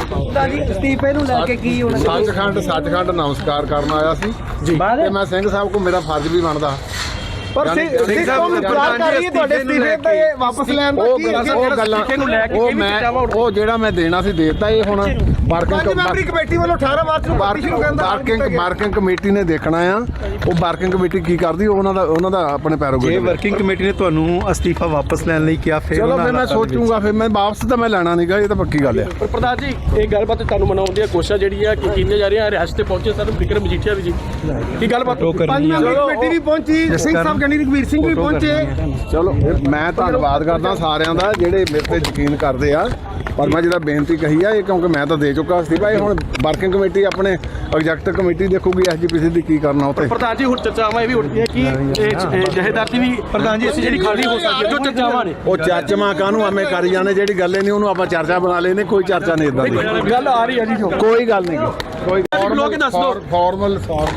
[SPEAKER 2] ਅਸਤੀਫੇ ਨੂੰ ਲੈ ਕੇ ਕੀ ਹੋਣਾ
[SPEAKER 1] ਸੱਚਖੰਡ ਸੱਚਖੰਡ ਨਮਸਕਾਰ ਕਰਨ ਆਇਆ ਸੀ ਤੇ ਮੈਂ ਸਿੰਘ ਸਾਹਿਬ ਕੋ ਮੇਰਾ ਫਰਜ਼ ਵੀ ਬਣਦਾ
[SPEAKER 2] ਪਰ ਸਿੱਖ ਕੌਮ ਇੰਤਜ਼ਾਰ ਕਰ ਰਹੀ ਹੈ ਤੁਹਾਡੇ ਅਸਤੀਫੇ ਤੇ ਵਾਪਸ ਲੈਣ ਦਾ ਕੀ
[SPEAKER 1] ਉਹ ਗੱਲਾਂ ਉਹ ਮੈਂ ਉਹ ਜਿਹੜਾ ਮੈਂ ਦੇਣਾ ਸੀ ਦੇਤਾ ਇਹ ਹੁਣ
[SPEAKER 2] ਪੰਜ ਮੈਂਬਰੀ ਕਮੇਟੀ ਵੱਲੋਂ ਅਠਾਰਾਂ ਮਾਰਚ ਨੂੰ ਪਾਰਟੀ ਸ਼ੁਰੂ ਕਰਨ ਦਾ
[SPEAKER 1] ਵਰਕਿੰਗ ਵਰਕਿੰਗ ਕਮੇਟੀ ਨੇ ਦੇਖਣਾ ਆ ਉਹ ਵਰਕਿੰਗ ਕਮੇਟੀ ਕੀ ਕਰਦੀ ਉਹਨਾਂ ਦਾ ਉਹਨਾਂ ਦਾ ਆਪਣੇ ਪੈਰੋਗੇ
[SPEAKER 3] ਜੇ ਵਰਕਿੰਗ ਕਮੇਟੀ ਨੇ ਤੁਹਾਨੂੰ ਅਸਤੀਫਾ ਵਾਪਸ ਲੈਣ ਲਈ ਕਿਹਾ ਫਿਰ
[SPEAKER 1] ਚਲੋ ਫਿਰ ਮੈਂ ਸੋਚੂਗਾ ਫਿਰ ਮੈਂ ਵਾਪਸ ਤਾਂ ਮੈਂ ਲੈਣਾ ਨਹੀਂਗਾ ਇਹ ਤਾਂ ਪੱਕੀ ਗੱਲ ਆ
[SPEAKER 4] ਪਰ ਪ੍ਰਧਾਨ ਜੀ ਇਹ ਗੱਲਬਾਤ ਤੁਹਾਨੂੰ ਮਨਾਉਣ ਦੀ ਕੋਸ਼ਿਸ਼ ਜਿਹੜੀ ਆ ਕਿ ਕੀਤੀਆਂ ਜਾ ਰਹੀਆਂ ਰਿਹਾਸਤ ਤੇ ਪਹੁੰਚੇ ਸਰ ਵਿਕਰਮ ਮਜੀਠੀਆ ਵੀ ਜੀ ਕੀ ਗੱਲਬਾਤ
[SPEAKER 2] ਪੰਜ ਮੈਂਬਰੀ ਕਮੇਟੀ ਵੀ ਪਹੁੰਚੀ ਸਿੰਘ ਸਾਹਿਬ ਗੰਡੀ ਰਘਵੀਰ ਸਿੰਘ ਵੀ ਪਹੁੰਚੇ
[SPEAKER 1] ਚਲੋ ਮੈਂ ਧੰਨਵਾਦ ਕਰਦਾ ਸਾਰਿਆਂ ਦਾ ਜਿਹੜੇ ਮੇਰੇ ਤੇ ਯਕੀਨ ਕਰਦੇ ਆ ਪਰ ਮੈਂ ਜਿਹੜਾ ਬੇਨਤੀ ਕਹੀ ਆ ਇਹ ਕਿਉਂਕਿ ਮੈਂ ਤਾਂ ਦੇ ਚੁੱਕਾ ਸੀ ਭਾਈ ਹੁਣ ਵਰਕਿੰਗ ਕਮੇਟੀ ਆਪਣੇ ਐਗਜ਼ੈਕਟਿਵ ਕਮੇਟੀ ਦੇਖੂਗੀ ਐਸਜੀਪੀਸੀ ਦੀ ਕੀ ਕਰਨਾ ਉੱਤੇ
[SPEAKER 4] ਪ੍ਰਧਾਨ ਜੀ ਹੁਣ ਚਰਚਾਵਾਂ ਇਹ ਵੀ ਉੱਠਦੀਆਂ ਕਿ ਇਹ ਜਹੇਦਾਰ ਦੀ ਵੀ ਪ੍ਰਧਾਨ ਜੀ ਅਸੀਂ ਜਿਹੜੀ ਖਾਲੀ ਹੋ ਸਕਦੀ ਹੈ ਜੋ ਚਰਚਾਵਾਂ ਨੇ
[SPEAKER 1] ਉਹ ਚਰਚਾਵਾਂ ਕਾਹਨੂੰ ਆਵੇਂ ਕਰੀ ਜਾਂਦੇ ਜਿਹੜੀ ਗੱਲ ਹੀ ਨਹੀਂ ਉਹਨੂੰ ਆਪਾਂ ਚਰਚਾ ਬਣਾ ਲੈਨੇ ਕੋਈ ਚਰਚਾ ਨਹੀਂ ਇਦਾਂ ਦੀ
[SPEAKER 4] ਗੱਲ ਆ ਰਹੀ ਹੈ ਜੀ ਜੋ
[SPEAKER 1] ਕੋਈ ਗੱਲ ਨਹੀਂ ਕੋਈ
[SPEAKER 4] ਲੋਕ ਦੱਸ ਦਿਓ
[SPEAKER 1] ਫਾਰਮਲ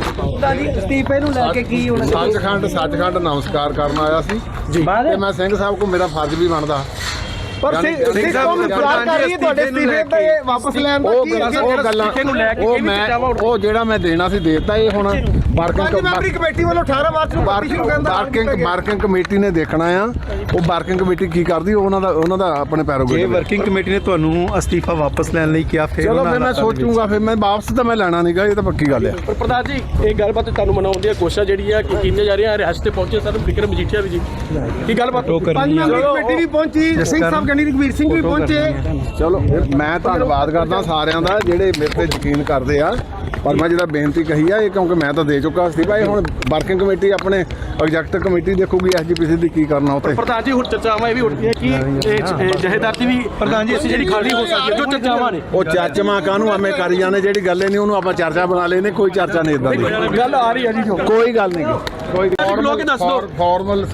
[SPEAKER 2] ਅਸਤੀਫੇ ਨੂੰ ਲੈ ਕੇ ਕੀ ਹੋਣਾ
[SPEAKER 1] ਸੱਚਖੰਡ ਸੱਚਖੰਡ ਨਮਸਕਾਰ ਕਰਨ ਆਇਆ ਸੀ ਤੇ ਮੈਂ ਸਿੰਘ ਸਾਹਿਬ ਕੋ ਮੇਰਾ ਫਰਜ਼ ਵੀ ਬਣਦਾ
[SPEAKER 2] ਪਰ ਸਿੱਖ ਕੌਮ ਇੰਤਜ਼ਾਰ ਕਰ ਰਹੀ ਹੈ ਤੁਹਾਡੇ ਅਸਤੀਫੇ ਤੇ ਵਾਪਸ ਲੈਣ ਦਾ
[SPEAKER 1] ਉਹ
[SPEAKER 2] ਕੀ
[SPEAKER 1] ਉਹ ਗੱਲਾਂ ਉਹ ਮੈਂ ਉਹ ਜਿਹੜਾ ਮੈਂ ਦੇਣਾ ਸੀ ਦੇਤਾ ਇਹ ਹੁਣ
[SPEAKER 2] ਪੰਜ ਮੈਂਬਰੀ
[SPEAKER 1] ਵਰਕਿੰਗ
[SPEAKER 2] ਕਮੇਟੀ ਵੱਲੋਂ ਅਠਾਰਾਂ ਮਾਰਚ ਨੂੰ ਪਾਰਟੀ ਸ਼ੁਰੂ ਕਰਨ ਦਾ
[SPEAKER 1] ਵਰਕਿੰਗ ਵਰਕਿੰਗ ਕਮੇਟੀ ਨੇ ਦੇਖਣਾ ਆ ਉਹ ਵਰਕਿੰਗ ਕਮੇਟੀ ਕੀ ਕਰਦੀ ਉਹਨਾਂ ਦਾ ਉਹਨਾਂ ਦਾ ਆਪਣੇ ਪੈਰੋਗੇ
[SPEAKER 3] ਜੇ ਵਰਕਿੰਗ ਕਮੇਟੀ ਨੇ ਤੁਹਾਨੂੰ ਅਸਤੀਫਾ ਵਾਪਸ ਲੈਣ ਲਈ ਕਿਹਾ ਫਿਰ
[SPEAKER 1] ਚਲੋ ਫਿਰ ਮੈਂ ਸੋਚੂਗਾ ਫਿਰ ਮੈਂ ਵਾਪਸ ਤਾਂ ਮੈਂ ਲੈਣਾ ਨਹੀਂਗਾ ਇਹ ਤਾਂ ਪੱਕੀ ਗੱਲ ਆ
[SPEAKER 4] ਪਰ ਪ੍ਰਧਾਨ ਜੀ ਇਹ ਗੱਲਬਾਤ ਤੁਹਾਨੂੰ ਮਨਾਉਣ ਦੀ ਕੋਸ਼ਿਸ਼ ਜਿਹੜੀ ਆ ਕਿ ਕੀਤੀਆਂ ਜਾ ਰਹੀਆਂ ਰਿਹਾਸਤ ਤੇ ਪਹੁੰਚੇ ਸਰ ਵਿਕਰਮ ਮਜੀਠੀਆ ਵੀ ਜੀ ਕੀ ਗੱਲਬਾਤ
[SPEAKER 2] ਪੰਜ ਮੈਂਬਰੀ ਕਮੇਟੀ ਵੀ ਪਹੁੰਚੀ ਸਿੰਘ ਸਾਹਿਬ ਗੰਡੀ ਰਘਵੀਰ ਸਿੰਘ ਵੀ ਪਹੁੰਚੇ
[SPEAKER 1] ਚਲੋ ਮੈਂ ਧੰਨਵਾਦ ਕਰਦਾ ਸਾਰਿਆਂ ਦਾ ਜਿਹੜੇ ਮੇਰੇ ਤੇ ਯਕੀਨ ਕਰਦੇ ਆ ਪਰ ਮੈਂ ਜਿਹੜਾ ਬੇਨਤੀ ਕਹੀ ਆ ਇਹ ਕਿਉਂਕਿ ਮੈਂ ਤਾਂ ਦੇ ਚੁੱਕਾ ਸੀ ਭਾਈ ਹੁਣ ਵਰਕਿੰਗ ਕਮੇਟੀ ਆਪਣੇ ਐਗਜ਼ੈਕਟਿਵ ਕਮੇਟੀ ਦੇਖੂਗੀ ਐਸਜੀਪੀਸੀ ਦੀ ਕੀ ਕਰਨਾ ਉੱਤੇ
[SPEAKER 4] ਪ੍ਰਧਾਨ ਜੀ ਹੁਣ ਚਰਚਾਵਾਂ ਇਹ ਵੀ ਉੱਠਦੀਆਂ ਕਿ ਇਹ ਜਹੇਦਾਰ ਦੀ ਵੀ ਪ੍ਰਧਾਨ ਜੀ ਅਸੀਂ ਜਿਹੜੀ ਖਾਲੀ ਹੋ ਸਕਦੀ ਹੈ ਜੋ ਚਰਚਾਵਾਂ ਨੇ
[SPEAKER 1] ਉਹ ਚਰਚਾਵਾਂ ਕਾਹਨੂੰ ਆਵੇਂ ਕਰੀ ਜਾਂਦੇ ਜਿਹੜੀ ਗੱਲ ਹੀ ਨਹੀਂ ਉਹਨੂੰ ਆਪਾਂ ਚਰਚਾ ਬਣਾ ਲੈਨੇ ਕੋਈ ਚਰਚਾ ਨਹੀਂ ਇਦਾਂ ਦੀ
[SPEAKER 4] ਗੱਲ ਆ ਰਹੀ ਹੈ ਜੀ ਜੋ
[SPEAKER 1] ਕੋਈ ਗੱਲ ਨਹੀਂ ਕੋਈ
[SPEAKER 4] ਲੋਕ ਦੱਸ ਦਿਓ
[SPEAKER 1] ਫਾਰਮਲ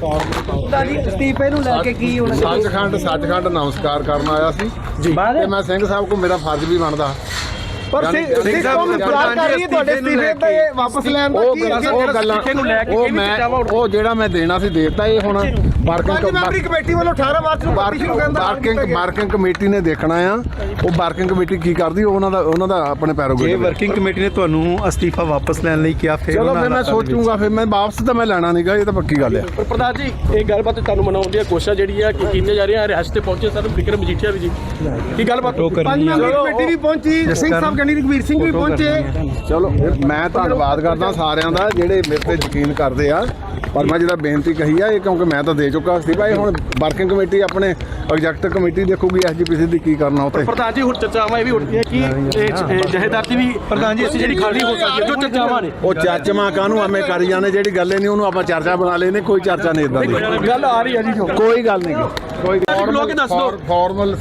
[SPEAKER 2] ਅਸਤੀਫੇ ਨੂੰ ਲੈ ਕੇ ਕੀ ਹੋਣਾ
[SPEAKER 1] ਸੱਚਖੰਡ ਸੱਚਖੰਡ ਨਮਸਕਾਰ ਕਰਨ ਆਇਆ ਸੀ ਤੇ ਮੈਂ ਸਿੰਘ ਸਾਹਿਬ ਕੋ ਮੇਰਾ ਫਰਜ਼ ਵੀ ਬਣਦਾ
[SPEAKER 2] ਪਰ ਸਿੱਖ ਕੌਮ ਇੰਤਜ਼ਾਰ ਕਰ ਰਹੀ ਹੈ ਤੁਹਾਡੇ ਅਸਤੀਫੇ ਤੇ ਵਾਪਸ ਲੈਣ ਦਾ
[SPEAKER 1] ਉਹ
[SPEAKER 2] ਕੀ
[SPEAKER 1] ਉਹ ਗੱਲਾਂ ਉਹ ਮੈਂ ਉਹ ਜਿਹੜਾ ਮੈਂ ਦੇਣਾ ਸੀ ਦੇਤਾ ਇਹ ਹੁਣ
[SPEAKER 2] ਪੰਜ
[SPEAKER 1] ਵਰਕਿੰਗ
[SPEAKER 2] ਮੈਂਬਰੀ ਕਮੇਟੀ ਵੱਲੋਂ ਅਠਾਰਾਂ ਮਾਰਚ ਨੂੰ ਪਾਰਟੀ ਸ਼ੁਰੂ ਕਰਨ ਦਾ
[SPEAKER 1] ਵਰਕਿੰਗ ਵਰਕਿੰਗ ਕਮੇਟੀ ਨੇ ਦੇਖਣਾ ਆ ਉਹ ਵਰਕਿੰਗ ਕਮੇਟੀ ਕੀ ਕਰਦੀ ਉਹਨਾਂ ਦਾ ਉਹਨਾਂ ਦਾ ਆਪਣੇ ਪੈਰੋਗੇ
[SPEAKER 3] ਜੇ ਵਰਕਿੰਗ ਕਮੇਟੀ ਨੇ ਤੁਹਾਨੂੰ ਅਸਤੀਫਾ ਵਾਪਸ ਲੈਣ ਲਈ ਕਿਹਾ ਫਿਰ
[SPEAKER 1] ਚਲੋ ਫਿਰ ਮੈਂ ਸੋਚੂਗਾ ਫਿਰ ਮੈਂ ਵਾਪਸ ਤਾਂ ਮੈਂ ਲੈਣਾ ਨਹੀਂਗਾ ਇਹ ਤਾਂ ਪੱਕੀ ਗੱਲ ਆ
[SPEAKER 4] ਪਰ ਪ੍ਰਧਾਨ ਜੀ ਇਹ ਗੱਲਬਾਤ ਤੁਹਾਨੂੰ ਮਨਾਉਣ ਦੀ ਕੋਸ਼ਿਸ਼ ਜਿਹੜੀ ਆ ਕਿ ਕੀਤੀਆਂ ਜਾ ਰਹੀਆਂ ਰਿਹਾਸਤ ਤੇ ਪਹੁੰਚੇ ਸਰ ਵਿਕਰਮ ਮਜੀਠੀਆ ਵੀ ਜੀ ਕੀ ਗੱਲਬਾਤ
[SPEAKER 2] ਪੰਜ ਮੈਂਬਰੀ ਕਮੇਟੀ ਵੀ ਪਹੁੰਚੀ ਸਿੰਘ ਸਾਹਿਬ ਗੰਡੀ ਰਘਵੀਰ ਸਿੰਘ ਵੀ ਪਹੁੰਚੇ
[SPEAKER 1] ਚਲੋ ਮੈਂ ਧੰਨਵਾਦ ਕਰਦਾ ਸਾਰਿਆਂ ਦਾ ਜਿਹੜੇ ਮੇਰੇ ਤੇ ਯਕੀਨ ਕਰਦੇ ਆ ਪਰ ਮੈਂ ਜਿਹੜਾ ਬੇਨਤੀ ਕਹੀ ਆ ਇਹ ਕਿਉਂਕਿ ਮੈਂ ਤਾਂ ਦੇ ਚੁੱਕਾ ਸੀ ਭਾਈ ਹੁਣ ਵਰਕਿੰਗ ਕਮੇਟੀ ਆਪਣੇ ਐਗਜ਼ੈਕਟਿਵ ਕਮੇਟੀ ਦੇਖੂਗੀ ਐਸਜੀਪੀਸੀ ਦੀ ਕੀ ਕਰਨਾ ਉੱਤੇ
[SPEAKER 4] ਪ੍ਰਧਾਨ ਜੀ ਹੁਣ ਚਰਚਾਵਾਂ ਇਹ ਵੀ ਉੱਠਦੀਆਂ ਕਿ ਇਹ ਜਹੇਦਾਰ ਦੀ ਵੀ ਪ੍ਰਧਾਨ ਜੀ ਅਸੀਂ ਜਿਹੜੀ ਖਾਲੀ ਹੋ ਸਕਦੀ ਹੈ ਜੋ ਚਰਚਾਵਾਂ ਨੇ
[SPEAKER 1] ਉਹ ਚਰਚਾਵਾਂ ਕਾਹਨੂੰ ਆਵੇਂ ਕਰੀ ਜਾਂਦੇ ਜਿਹੜੀ ਗੱਲ ਹੀ ਨਹੀਂ ਉਹਨੂੰ ਆਪਾਂ ਚਰਚਾ ਬਣਾ ਲੈਨੇ ਕੋਈ ਚਰਚਾ ਨਹੀਂ ਇਦਾਂ ਦੀ
[SPEAKER 4] ਗੱਲ ਆ ਰਹੀ ਹੈ ਜੀ ਜੋ
[SPEAKER 1] ਕੋਈ ਗੱਲ ਨਹੀਂ ਕੋਈ
[SPEAKER 4] ਲੋਕ ਦੱਸ ਦਿਓ
[SPEAKER 1] ਫਾਰਮਲ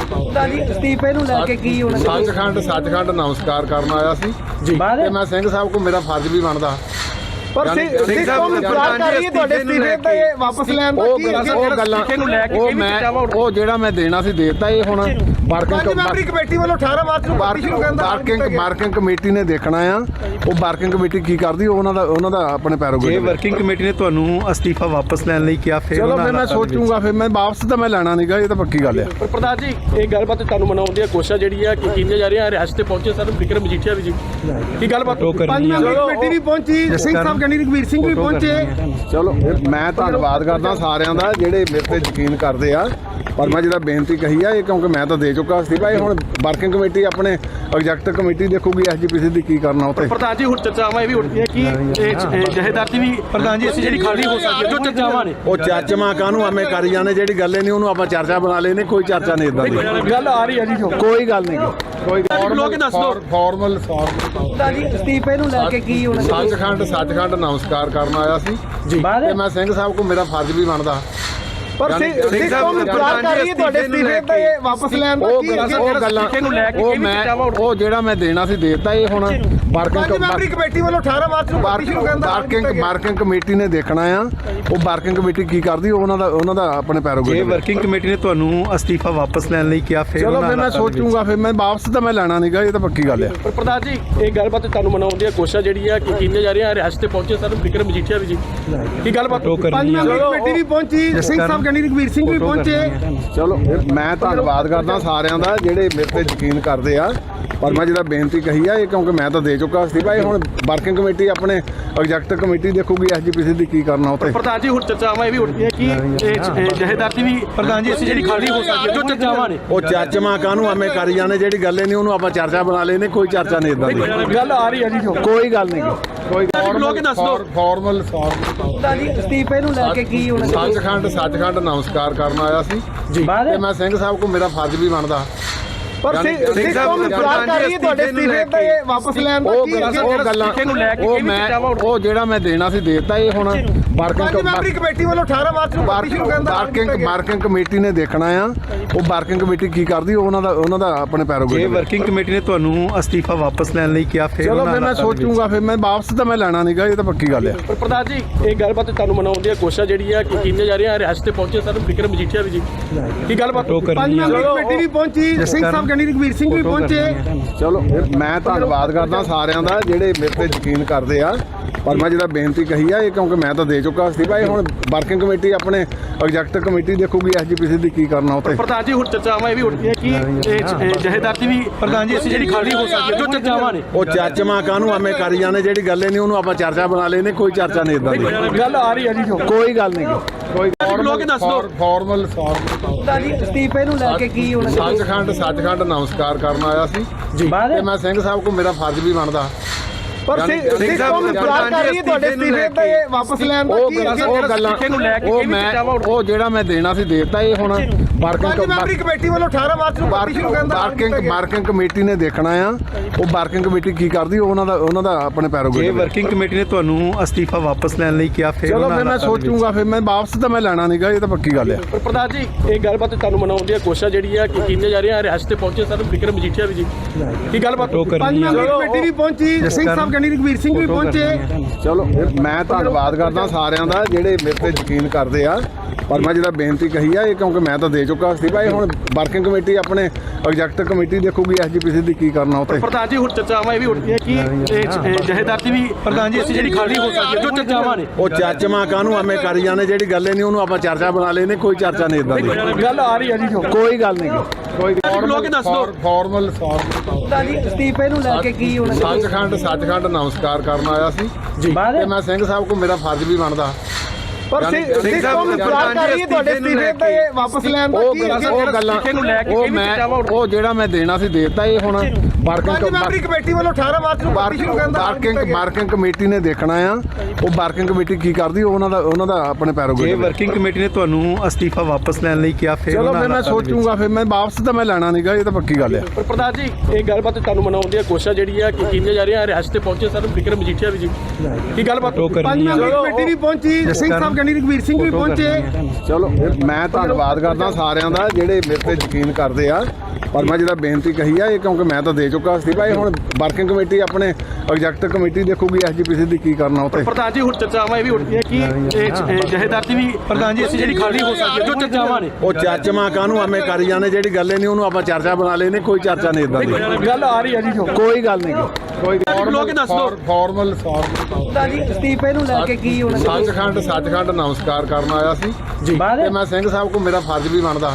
[SPEAKER 2] ਅਸਤੀਫੇ ਨੂੰ ਲੈ ਕੇ ਕੀ ਹੋਣਾ
[SPEAKER 1] ਸੱਚਖੰਡ ਸੱਚਖੰਡ ਨਮਸਕਾਰ ਕਰਨ ਆਇਆ ਸੀ ਤੇ ਮੈਂ ਸਿੰਘ ਸਾਹਿਬ ਕੋ ਮੇਰਾ ਫਰਜ਼ ਵੀ ਬਣਦਾ
[SPEAKER 2] ਪਰ ਸਿੱਖ ਕੌਮ ਇੰਤਜ਼ਾਰ ਕਰ ਰਹੀ ਹੈ ਤੁਹਾਡੇ ਅਸਤੀਫੇ ਤੇ ਵਾਪਸ ਲੈਣ ਦਾ।
[SPEAKER 1] ਉਹ
[SPEAKER 2] ਕੀ
[SPEAKER 1] ਉਹ ਗੱਲਾਂ ਉਹ ਮੈਂ ਉਹ ਜਿਹੜਾ ਮੈਂ ਦੇਣਾ ਸੀ ਦੇਤਾ। ਇਹ ਹੁਣ
[SPEAKER 2] ਪੰਜ ਮੈਂਬਰੀ ਕਮੇਟੀ ਵੱਲੋਂ ਅਠਾਰਾਂ ਮਾਰਚ ਨੂੰ ਪਾਰਟੀ ਸ਼ੁਰੂ ਕਰਨ ਦਾ
[SPEAKER 1] ਵਰਕਿੰਗ ਵਰਕਿੰਗ ਕਮੇਟੀ ਨੇ ਦੇਖਣਾ ਆ। ਉਹ ਵਰਕਿੰਗ ਕਮੇਟੀ ਕੀ ਕਰਦੀ ਉਹ ਉਹਨਾਂ ਦਾ ਉਹਨਾਂ ਦਾ ਆਪਣੇ ਪੈਰੋਗੇ।
[SPEAKER 3] ਜੇ ਵਰਕਿੰਗ ਕਮੇਟੀ ਨੇ ਤੁਹਾਨੂੰ ਅਸਤੀਫਾ ਵਾਪਸ ਲੈਣ ਲਈ ਕਿਹਾ ਫਿਰ
[SPEAKER 1] ਚਲੋ ਫਿਰ ਮੈਂ ਸੋਚੂਗਾ। ਫਿਰ ਮੈਂ ਵਾਪਸ ਤਾਂ ਮੈਂ ਲੈਣਾ ਨਹੀਂਗਾ। ਇਹ ਤਾਂ ਪੱਕੀ ਗੱਲ ਆ।
[SPEAKER 4] ਪਰ ਪ੍ਰਧਾਨ ਜੀ ਇਹ ਗੱਲਬਾਤ ਤੁਹਾਨੂੰ ਮਨਾਉਣ ਦੀਆਂ ਕੋਸ਼ਿਸ਼ਾਂ ਜਿਹੜੀ ਆ ਕਿ ਕੀਤੀਆਂ ਜਾ ਰਹੀਆਂ। ਰਿਹਾਸਤ ਤੇ ਪਹੁੰਚੇ ਸਰ ਵਿਕਰਮ ਮਜੀਠੀਆ ਵੀ ਜੀ ਕੀ ਗੱਲਬਾਤ
[SPEAKER 2] ਪੰਜ ਮੈਂਬਰੀ ਕਮੇਟੀ ਵੀ ਪਹੁੰਚੀ। ਸਿੰਘ ਸਾਹਿਬ ਕਹਿੰਦੇ ਰਘਵੀਰ ਸਿੰਘ ਵੀ ਪਹੁੰਚੇ।
[SPEAKER 1] ਚਲੋ ਮੈਂ ਧੰਨਵਾਦ ਕਰਦਾ ਸਾਰਿਆਂ ਦਾ ਜਿਹੜੇ ਮੇਰੇ ਤੇ ਯਕੀਨ ਕਰਦੇ ਆ। ਪਰ ਮੈਂ ਜਿਹੜਾ ਬੇਨਤੀ ਕਹੀ ਆ ਇਹ ਕਿਉਂਕਿ ਮੈਂ ਤਾਂ ਦੇ ਚੁੱਕਾ ਸੀ ਭਾਈ। ਹੁਣ ਵਰਕਿੰਗ ਕਮੇਟੀ ਆਪਣੇ ਐਗਜ਼ੈਕਟਿਵ ਕਮੇਟੀ ਦੇਖੂਗੀ ਐਸਜੀਪੀਸੀ ਦੀ ਕੀ ਕਰਨਾ ਉੱਤੇ।
[SPEAKER 4] ਪ੍ਰਧਾਨ ਜੀ ਹੁਣ ਚਰਚਾਵਾਂ ਇਹ ਵੀ ਉੱਠਦੀਆਂ ਕਿ ਇਹ ਜਹੇਦਾਰ ਦੀ ਵੀ ਪ੍ਰਧਾਨ ਜੀ ਅਸੀਂ ਜਿਹੜੀ ਖਾਲੀ ਹੋ ਸਕਦੀ ਹੈ ਜੋ ਚਰਚਾਵਾਂ ਨੇ
[SPEAKER 1] ਉਹ ਚਰਚਾਵਾਂ ਕਾਹਨੂੰ ਆਵੇਂ ਕਰੀ ਜਾਂਦੇ। ਜਿਹੜੀ ਗੱਲ ਹੀ ਨਹੀਂ ਉਹਨੂੰ ਆਪਾਂ ਚਰਚਾ ਬਣਾ ਲੈਨੇ। ਕੋਈ ਚਰਚਾ ਨਹੀਂ ਇਦਾਂ ਦੀ
[SPEAKER 4] ਗੱਲ ਆ ਰਹੀ ਹੈ ਜੀ ਜੋ
[SPEAKER 1] ਕੋਈ ਗੱਲ ਨਹੀਂ। ਕੋਈ
[SPEAKER 4] ਲੋਕ ਦੱਸ ਦਿਓ।
[SPEAKER 1] ਫਾਰਮਲ
[SPEAKER 2] ਜੀ ਅਸਤੀਫੇ ਨੂੰ ਲੈ ਕੇ ਕੀ ਹੋਣਾ।
[SPEAKER 1] ਸੱਚਖੰਡ ਸੱਚਖੰਡ ਨਮਸਕਾਰ ਕਰਨ ਆਇਆ ਸੀ ਜੀ। ਤੇ ਮੈਂ ਸਿੰਘ ਸਾਹਿਬ ਕੋ ਮੇਰਾ ਫਰਜ਼ ਵੀ ਬਣਦਾ।
[SPEAKER 2] ਪਰ ਸਿੱਖ ਕੌਮ ਇੰਤਜ਼ਾਰ ਕਰ ਰਹੀ ਹੈ ਤੁਹਾਡੇ ਅਸਤੀਫੇ ਤੇ ਵਾਪਸ ਲੈਣ ਦਾ।
[SPEAKER 1] ਉਹ
[SPEAKER 2] ਕੀ
[SPEAKER 1] ਉਹ ਗੱਲਾਂ ਉਹ ਮੈਂ ਉਹ ਜਿਹੜਾ ਮੈਂ ਦੇਣਾ ਸੀ ਦੇਤਾ। ਇਹ ਹੁਣ
[SPEAKER 2] ਪੰਜ ਮੈਂਬਰੀ ਕਮੇਟੀ ਵੱਲੋਂ ਅਠਾਰਾਂ ਮਾਰਚ ਨੂੰ ਪਾਰਟੀ ਸ਼ੁਰੂ ਕਰਨ ਦਾ
[SPEAKER 1] ਵਰਕਿੰਗ ਵਰਕਿੰਗ ਕਮੇਟੀ ਨੇ ਦੇਖਣਾ ਆ। ਉਹ ਵਰਕਿੰਗ ਕਮੇਟੀ ਕੀ ਕਰਦੀ ਉਹ ਉਹਨਾਂ ਦਾ ਉਹਨਾਂ ਦਾ ਆਪਣੇ ਪੈਰੋਗੇ।
[SPEAKER 3] ਜੇ ਵਰਕਿੰਗ ਕਮੇਟੀ ਨੇ ਤੁਹਾਨੂੰ ਅਸਤੀਫਾ ਵਾਪਸ ਲੈਣ ਲਈ ਕਿਹਾ ਫਿਰ
[SPEAKER 1] ਚਲੋ ਫਿਰ ਮੈਂ ਸੋਚੂਗਾ। ਫਿਰ ਮੈਂ ਵਾਪਸ ਤਾਂ ਮੈਂ ਲੈਣਾ ਨਹੀਂਗਾ। ਇਹ ਤਾਂ ਪੱਕੀ ਗੱਲ ਆ।
[SPEAKER 4] ਪਰ ਪ੍ਰਧਾਨ ਜੀ ਇਹ ਗੱਲਬਾਤ ਤੁਹਾਨੂੰ ਮਨਾਉਣ ਦੀਆਂ ਕੋਸ਼ਿਸ਼ਾਂ ਜਿਹੜੀ ਆ ਕਿ ਕੀਤੀਆਂ ਜਾ ਰਹੀਆਂ। ਰਿਹਾਸਤ ਤੇ ਪਹੁੰਚੇ ਸਰ ਵਿਕਰਮ ਮਜੀਠੀਆ ਵੀ ਜੀ ਕੀ ਗੱਲਬਾਤ
[SPEAKER 2] ਪੰਜ ਮੈਂਬਰੀ ਕਮੇਟੀ ਵੀ ਪਹੁੰਚੀ। ਸਿੰਘ ਸਾਹਿਬ ਕਹਿੰਦੇ ਰਘਵੀਰ ਸਿੰਘ ਵੀ ਪਹੁੰਚੇ।
[SPEAKER 1] ਚਲੋ ਮੈਂ ਧੰਨਵਾਦ ਕਰਦਾ ਸਾਰਿਆਂ ਦਾ ਜਿਹੜੇ ਮੇਰੇ ਤੇ ਯਕੀਨ ਕਰਦੇ ਆ। ਪਰ ਮੈਂ ਜਿਹੜਾ ਬੇਨਤੀ ਕਹੀ ਆ ਇਹ ਕਿਉਂਕਿ ਮੈਂ ਤਾਂ ਦੇ ਚੁੱਕਾ ਸੀ ਭਾਈ। ਹੁਣ ਵਰਕਿੰਗ ਕਮੇਟੀ ਆਪਣੇ ਐਗਜ਼ੈਕਟਿਵ ਕਮੇਟੀ ਦੇਖੂਗੀ ਐਸਜੀਪੀਸੀ ਦੀ ਕੀ ਕਰਨਾ ਉੱਤੇ।
[SPEAKER 4] ਪ੍ਰਧਾਨ ਜੀ ਹੁਣ ਚਰਚਾਵਾਂ ਇਹ ਵੀ ਉੱਠਦੀਆਂ ਕਿ ਇਹ ਜਹੇਦਾਰ ਦੀ ਵੀ ਪ੍ਰਧਾਨ ਜੀ ਅਸੀਂ ਜਿਹੜੀ ਖਾਲੀ ਹੋ ਸਕਦੀ ਹੈ ਜੋ ਚਰਚਾਵਾਂ ਨੇ
[SPEAKER 1] ਉਹ ਚਰਚਾਵਾਂ ਕਾਹਨੂੰ ਆਵੇਂ ਕਰੀ ਜਾਂਦੇ। ਜਿਹੜੀ ਗੱਲ ਹੀ ਨਹੀਂ ਉਹਨੂੰ ਆਪਾਂ ਚਰਚਾ ਬਣਾ ਲੈਨੇ। ਕੋਈ ਚਰਚਾ ਨਹੀਂ ਇਦਾਂ ਦੀ
[SPEAKER 4] ਗੱਲ ਆ ਰਹੀ ਹੈ ਜੀ ਜੋ
[SPEAKER 1] ਕੋਈ ਗੱਲ ਨਹੀਂ। ਕੋਈ
[SPEAKER 4] ਲੋਕ ਦੱਸ ਦਿਓ।
[SPEAKER 1] ਫਾਰਮਲ
[SPEAKER 2] ਜੀ ਅਸਤੀਫੇ ਨੂੰ ਲੈ ਕੇ ਕੀ ਹੋਣਾ।
[SPEAKER 1] ਸੱਚਖੰਡ ਸੱਚਖੰਡ ਨਮਸਕਾਰ ਕਰਨ ਆਇਆ ਸੀ ਜੀ। ਤੇ ਮੈਂ ਸਿੰਘ ਸਾਹਿਬ ਕੋ ਮੇਰਾ ਫਰਜ਼ ਵੀ ਬਣਦਾ।
[SPEAKER 2] ਪਰ ਸਿੱਖ ਕੌਮ ਇੰਤਜ਼ਾਰ ਕਰ ਰਹੀ ਹੈ ਤੁਹਾਡੇ ਅਸਤੀਫੇ ਤੇ ਵਾਪਸ ਲੈਣ ਦਾ।
[SPEAKER 1] ਉਹ
[SPEAKER 2] ਕੀ
[SPEAKER 1] ਉਹ ਗੱਲਾਂ ਉਹ ਮੈਂ ਉਹ ਜਿਹੜਾ ਮੈਂ ਦੇਣਾ ਸੀ ਦੇਤਾ। ਇਹ ਹੁਣ ਵਰਕਿੰਗ
[SPEAKER 2] ਪੰਜ ਮੈਂਬਰੀ ਕਮੇਟੀ ਵੱਲੋਂ ਅਠਾਰਾਂ ਮਾਰਚ ਨੂੰ ਪਾਰਟੀ ਸ਼ੁਰੂ ਕਰਨ ਦਾ
[SPEAKER 1] ਵਰਕਿੰਗ ਵਰਕਿੰਗ ਕਮੇਟੀ ਨੇ ਦੇਖਣਾ ਆ। ਉਹ ਵਰਕਿੰਗ ਕਮੇਟੀ ਕੀ ਕਰਦੀ ਉਹ ਉਹਨਾਂ ਦਾ ਉਹਨਾਂ ਦਾ ਆਪਣੇ ਪੈਰੋਗੇ।
[SPEAKER 3] ਜੇ ਵਰਕਿੰਗ ਕਮੇਟੀ ਨੇ ਤੁਹਾਨੂੰ ਅਸਤੀਫਾ ਵਾਪਸ ਲੈਣ ਲਈ ਕਿਹਾ ਫਿਰ
[SPEAKER 1] ਚਲੋ ਫਿਰ ਮੈਂ ਸੋਚੂਗਾ। ਫਿਰ ਮੈਂ ਵਾਪਸ ਤਾਂ ਮੈਂ ਲੈਣਾ ਨਹੀਂਗਾ। ਇਹ ਤਾਂ ਪੱਕੀ ਗੱਲ ਆ।
[SPEAKER 4] ਪਰ ਪ੍ਰਧਾਨ ਜੀ ਇਹ ਗੱਲਬਾਤ ਤੁਹਾਨੂੰ ਮਨਾਉਣ ਦੀਆਂ ਕੋਸ਼ਿਸ਼ਾਂ ਜਿਹੜੀ ਆ ਕਿ ਕੀਤੀਆਂ ਜਾ ਰਹੀਆਂ। ਰਿਹਾਸਤ ਤੇ ਪਹੁੰਚੇ ਸਰ ਵਿਕਰਮ ਮਜੀਠੀਆ ਵੀ ਜੀ ਕੀ ਗੱਲਬਾਤ
[SPEAKER 2] ਪੰਜ ਮੈਂਬਰੀ ਕਮੇਟੀ ਵੀ ਪਹੁੰਚੀ। ਸਿੰਘ ਸਾਹਿਬ ਕਹਿੰਦੇ ਰਘਵੀਰ ਸਿੰਘ ਵੀ ਪਹੁੰਚੇ।
[SPEAKER 1] ਚਲੋ ਮੈਂ ਧੰਨਵਾਦ ਕਰਦਾ ਸਾਰਿਆਂ ਦਾ ਜਿਹੜੇ ਮੇਰੇ ਤੇ ਯਕੀਨ ਕਰਦੇ ਆ। ਪਰ ਮੈਂ ਜਿਹੜਾ ਬੇਨਤੀ ਕਹੀ ਆ ਇਹ ਕਿਉਂਕਿ ਮੈਂ ਤਾਂ ਦੇ ਚੁੱਕਾ ਸੀ ਭਾਈ। ਹੁਣ ਵਰਕਿੰਗ ਕਮੇਟੀ ਆਪਣੇ ਐਗਜ਼ੈਕਟਿਵ ਕਮੇਟੀ ਦੇਖੂਗੀ ਐਸਜੀਪੀਸੀ ਦੀ ਕੀ ਕਰਨਾ ਉੱਤੇ।
[SPEAKER 4] ਪ੍ਰਧਾਨ ਜੀ ਹੁਣ ਚਰਚਾਵਾਂ ਇਹ ਵੀ ਉੱਠਦੀਆਂ ਕਿ ਇਹ ਜਹੇਦਾਰ ਦੀ ਵੀ ਪ੍ਰਧਾਨ ਜੀ ਅਸੀਂ ਜਿਹੜੀ ਖਾਲੀ ਹੋ ਸਕਦੀ ਹੈ ਜੋ ਚਰਚਾਵਾਂ ਨੇ
[SPEAKER 1] ਉਹ ਚਰਚਾਵਾਂ ਕਾਹਨੂੰ ਆਵੇਂ ਕਰੀ ਜਾਂਦੇ। ਜਿਹੜੀ ਗੱਲ ਹੀ ਨਹੀਂ ਉਹਨੂੰ ਆਪਾਂ ਚਰਚਾ ਬਣਾ ਲੈਨੇ। ਕੋਈ ਚਰਚਾ ਨਹੀਂ ਇਦਾਂ ਦੀ
[SPEAKER 4] ਗੱਲ ਆ ਰਹੀ ਹੈ ਜੀ ਜੋ
[SPEAKER 1] ਕੋਈ ਗੱਲ ਨਹੀਂ। ਕੋਈ
[SPEAKER 4] ਲੋਕ ਦੱਸ ਦਿਓ।
[SPEAKER 1] ਫਾਰਮਲ
[SPEAKER 2] ਜੀ ਅਸਤੀਫੇ ਨੂੰ ਲੈ ਕੇ ਕੀ ਹੋਣਾ।
[SPEAKER 1] ਸੱਚਖੰਡ ਸੱਚਖੰਡ ਨਮਸਕਾਰ ਕਰਨ ਆਇਆ ਸੀ ਜੀ। ਤੇ ਮੈਂ ਸਿੰਘ ਸਾਹਿਬ ਕੋ ਮੇਰਾ ਫਰਜ਼ ਵੀ ਬਣਦਾ।
[SPEAKER 2] ਪਰ ਸਿੱਖ ਕੌਮ ਇੰਤਜ਼ਾਰ ਕਰ ਰਹੀ ਹੈ ਤੁਹਾਡੇ ਅਸਤੀਫੇ ਤੇ ਵਾਪਸ ਲੈਣ ਦਾ।
[SPEAKER 1] ਉਹ
[SPEAKER 2] ਕੀ
[SPEAKER 1] ਉਹ ਗੱਲਾਂ ਉਹ ਮੈਂ ਉਹ ਜਿਹੜਾ ਮੈਂ ਦੇਣਾ ਸੀ ਦੇਤਾ। ਇਹ ਹੁਣ
[SPEAKER 2] ਪੰਜ ਮੈਂਬਰੀ ਕਮੇਟੀ ਵੱਲੋਂ ਅਠਾਰਾਂ ਮਾਰਚ ਨੂੰ ਪਾਰਟੀ ਸ਼ੁਰੂ ਕਰਨ ਦਾ
[SPEAKER 1] ਵਰਕਿੰਗ ਵਰਕਿੰਗ ਕਮੇਟੀ ਨੇ ਦੇਖਣਾ ਆ। ਉਹ ਵਰਕਿੰਗ ਕਮੇਟੀ ਕੀ ਕਰਦੀ ਉਹ ਉਹਨਾਂ ਦਾ ਉਹਨਾਂ ਦਾ ਆਪਣੇ ਪੈਰੋਗੇ।
[SPEAKER 3] ਜੇ ਵਰਕਿੰਗ ਕਮੇਟੀ ਨੇ ਤੁਹਾਨੂੰ ਅਸਤੀਫਾ ਵਾਪਸ ਲੈਣ ਲਈ ਕਿਹਾ ਫਿਰ
[SPEAKER 1] ਚਲੋ ਫਿਰ ਮੈਂ ਸੋਚੂਗਾ। ਫਿਰ ਮੈਂ ਵਾਪਸ ਤਾਂ ਮੈਂ ਲੈਣਾ ਨਹੀਂਗਾ। ਇਹ ਤਾਂ ਪੱਕੀ ਗੱਲ ਆ।
[SPEAKER 4] ਪਰ ਪ੍ਰਧਾਨ ਜੀ ਇਹ ਗੱਲਬਾਤ ਤੁਹਾਨੂੰ ਮਨਾਉਣ ਦੀਆਂ ਕੋਸ਼ਿਸ਼ਾਂ ਜਿਹੜੀ ਆ ਕਿ ਕੀਤੀਆਂ ਜਾ ਰਹੀਆਂ। ਰਿਹਾਸਤ ਤੇ ਪਹੁੰਚੇ ਸਰ ਵਿਕਰਮ ਮਜੀਠੀਆ ਵੀ ਜੀ ਕੀ ਗੱਲਬਾਤ
[SPEAKER 2] ਪੰਜ ਮੈਂਬਰੀ ਕਮੇਟੀ ਵੀ ਪਹੁੰਚੀ। ਸਿੰਘ ਸਾਹਿਬ ਕਹਿੰਦੇ ਰਘਵੀਰ ਸਿੰਘ ਵੀ ਪਹੁੰਚੇ।
[SPEAKER 1] ਚਲੋ ਮੈਂ ਧੰਨਵਾਦ ਕਰਦਾ ਸਾਰਿਆਂ ਦਾ ਜਿਹੜੇ ਮੇਰੇ ਤੇ ਯਕੀਨ ਕਰਦੇ ਆ। ਪਰ ਮੈਂ ਜਿਹੜਾ ਬੇਨਤੀ ਕਹੀ ਆ ਇਹ ਕਿਉਂਕਿ ਮੈਂ ਤਾਂ ਦੇ ਚੁੱਕਾ ਸੀ ਭਾਈ। ਹੁਣ ਵਰਕਿੰਗ ਕਮੇਟੀ ਆਪਣੇ ਐਗਜ਼ੈਕਟਿਵ ਕਮੇਟੀ ਦੇਖੂਗੀ ਐਸਜੀਪੀਸੀ ਦੀ ਕੀ ਕਰਨਾ ਉੱਤੇ।
[SPEAKER 4] ਪ੍ਰਧਾਨ ਜੀ ਹੁਣ ਚਰਚਾਵਾਂ ਇਹ ਵੀ ਉੱਠਦੀਆਂ ਕਿ ਇਹ ਜਹੇਦਾਰ ਦੀ ਵੀ ਪ੍ਰਧਾਨ ਜੀ ਅਸੀਂ ਜਿਹੜੀ ਖਾਲੀ ਹੋ ਸਕਦੀ ਹੈ ਜੋ ਚਰਚਾਵਾਂ ਨੇ
[SPEAKER 1] ਉਹ ਚਰਚਾਵਾਂ ਕਾਹਨੂੰ ਆਵੇਂ ਕਰੀ ਜਾਂਦੇ। ਜਿਹੜੀ ਗੱਲ ਹੀ ਨਹੀਂ ਉਹਨੂੰ ਆਪਾਂ ਚਰਚਾ ਬਣਾ ਲੈਨੇ। ਕੋਈ ਚਰਚਾ ਨਹੀਂ ਇਦਾਂ ਦੀ
[SPEAKER 4] ਗੱਲ ਆ ਰਹੀ ਹੈ ਜੀ ਜੋ
[SPEAKER 1] ਕੋਈ ਗੱਲ ਨਹੀਂ। ਕੋਈ
[SPEAKER 4] ਲੋਕ ਦੱਸ ਦਿਓ।
[SPEAKER 1] ਫਾਰਮਲ
[SPEAKER 2] ਜੀ ਅਸਤੀਫੇ ਨੂੰ ਲੈ ਕੇ ਕੀ ਹੋਣਾ।
[SPEAKER 1] ਸੱਚਖੰਡ ਸੱਚਖੰਡ ਨਮਸਕਾਰ ਕਰਨ ਆਇਆ ਸੀ ਜੀ। ਤੇ ਮੈਂ ਸਿੰਘ ਸਾਹਿਬ ਕੋ ਮੇਰਾ ਫਰਜ਼ ਵੀ ਬਣਦਾ।
[SPEAKER 2] ਪਰ ਸਿੱਖ ਕੌਮ ਇੰਤਜ਼ਾਰ ਕਰ ਰਹੀ ਹੈ ਤੁਹਾਡੇ ਅਸਤੀਫੇ ਤੇ ਵਾਪਸ ਲੈਣ ਦਾ।
[SPEAKER 1] ਉਹ
[SPEAKER 2] ਕੀ
[SPEAKER 1] ਉਹ ਗੱਲਾਂ ਉਹ ਮੈਂ ਉਹ ਜਿਹੜਾ ਮੈਂ ਦੇਣਾ ਸੀ ਦੇਤਾ। ਇਹ ਹੁਣ
[SPEAKER 2] ਪੰਜ
[SPEAKER 1] ਵਰਕਿੰਗ
[SPEAKER 2] ਮੈਂਬਰੀ ਕਮੇਟੀ ਵੱਲੋਂ ਅਠਾਰਾਂ ਮਾਰਚ ਨੂੰ ਪਾਰਟੀ ਸ਼ੁਰੂ ਕਰਨ ਦਾ
[SPEAKER 1] ਵਰਕਿੰਗ ਵਰਕਿੰਗ ਕਮੇਟੀ ਨੇ ਦੇਖਣਾ ਆ। ਉਹ ਵਰਕਿੰਗ ਕਮੇਟੀ ਕੀ ਕਰਦੀ ਉਹ ਉਹਨਾਂ ਦਾ ਉਹਨਾਂ ਦਾ ਆਪਣੇ ਪੈਰੋਗੇ।
[SPEAKER 3] ਜੇ ਵਰਕਿੰਗ ਕਮੇਟੀ ਨੇ ਤੁਹਾਨੂੰ ਅਸਤੀਫਾ ਵਾਪਸ ਲੈਣ ਲਈ ਕਿਹਾ ਫਿਰ
[SPEAKER 1] ਚਲੋ ਫਿਰ ਮੈਂ ਸੋਚੂਗਾ। ਫਿਰ ਮੈਂ ਵਾਪਸ ਤਾਂ ਮੈਂ ਲੈਣਾ ਨਹੀਂਗਾ। ਇਹ ਤਾਂ ਪੱਕੀ ਗੱਲ ਆ।
[SPEAKER 4] ਪਰ ਪ੍ਰਧਾਨ ਜੀ ਇਹ ਗੱਲਬਾਤ ਤੁਹਾਨੂੰ ਮਨਾਉਣ ਦੀਆਂ ਕੋਸ਼ਿਸ਼ਾਂ ਜਿਹੜੀ ਆ ਕਿ ਕੀਤੀਆਂ ਜਾ ਰਹੀਆਂ। ਰਿਹਾਸਤ ਤੇ ਪਹੁੰਚੇ ਸਰ ਵਿਕਰਮ ਮਜੀਠੀਆ ਵੀ ਜੀ ਕੀ ਗੱਲਬਾਤ
[SPEAKER 2] ਪੰਜ ਮੈਂਬਰੀ ਕਮੇਟੀ ਵੀ ਪਹੁੰਚੀ। ਸਿੰਘ ਸਾਹਿਬ ਕਹਿੰਦੇ ਰਘਵੀਰ ਸਿੰਘ ਵੀ ਪਹੁੰਚੇ।
[SPEAKER 1] ਚਲੋ ਮੈਂ ਧੰਨਵਾਦ ਕਰਦਾ ਸਾਰਿਆਂ ਦਾ ਜਿਹੜੇ ਮੇਰੇ ਤੇ ਯਕੀਨ ਕਰਦੇ ਆ। ਪਰ ਮੈਂ ਜਿਹੜਾ ਬੇਨਤੀ ਕਹੀ ਆ ਇਹ ਕਿਉਂਕਿ ਮੈਂ ਤਾਂ ਦੇ ਚੁੱਕਾ ਅਸਤੀਫਾ ਇਹ ਹੁਣ ਵਰਕਿੰਗ ਕਮੇਟੀ ਆਪਣੇ ਐਗਜ਼ੈਕਟਿਵ ਕਮੇਟੀ ਦੇਖੂਗੀ ਐਸਜੀਪੀਸੀ ਦੀ ਕੀ ਕਰਨਾ ਉੱਤੇ।
[SPEAKER 4] ਪ੍ਰਧਾਨ ਜੀ ਹੁਣ ਚਰਚਾਵਾਂ ਇਹ ਵੀ ਉੱਠਦੀਆਂ ਕਿ ਇਹ ਜਹੇਦਾਰ ਦੀ ਵੀ ਪ੍ਰਧਾਨ ਜੀ ਅਸੀਂ ਜਿਹੜੀ ਖਾਲੀ ਹੋ ਸਕਦੀ ਹੈ ਜੋ ਚਰਚਾਵਾਂ ਨੇ
[SPEAKER 1] ਉਹ ਚਾਚਮਾ ਕਾਹਨੂੰ ਐਵੇਂ ਕਰੀ ਜਾਂਦੇ ਜਿਹੜੀ ਗੱਲ ਹੀ ਨਹੀਂ ਉਹਨੂੰ ਆਪਾਂ ਚਰਚਾ ਬਣਾ ਲੈਨੇ ਕੋਈ ਚਰਚਾ ਨਹੀਂ ਇਦਾਂ ਦੀ
[SPEAKER 4] ਗੱਲ ਆ ਰਹੀ ਹੈ ਜੀ ਜੋ
[SPEAKER 1] ਕੋਈ ਗੱਲ ਨਹੀਂ ਕੋਈ
[SPEAKER 4] ਬੁਲਾ ਕੇ ਦੱਸ ਦਿਓ।
[SPEAKER 1] ਫਾਰਮਲ ਫਾਰਮਲ
[SPEAKER 2] ਜੀ ਅਸਤੀਫੇ ਨੂੰ ਲੈ ਕੇ ਕੀ ਹੋਣਾ
[SPEAKER 1] ਸੱਚਖੰਡ ਸੱਚਖੰਡ ਨਮਸਕਾਰ ਕਰਨ ਆਇਆ ਸੀ ਤੇ ਮੈਂ ਸਿੰਘ ਸਾਹਿਬ ਕੋ ਮੇਰਾ ਫਰਜ਼ ਵੀ ਬਣਦਾ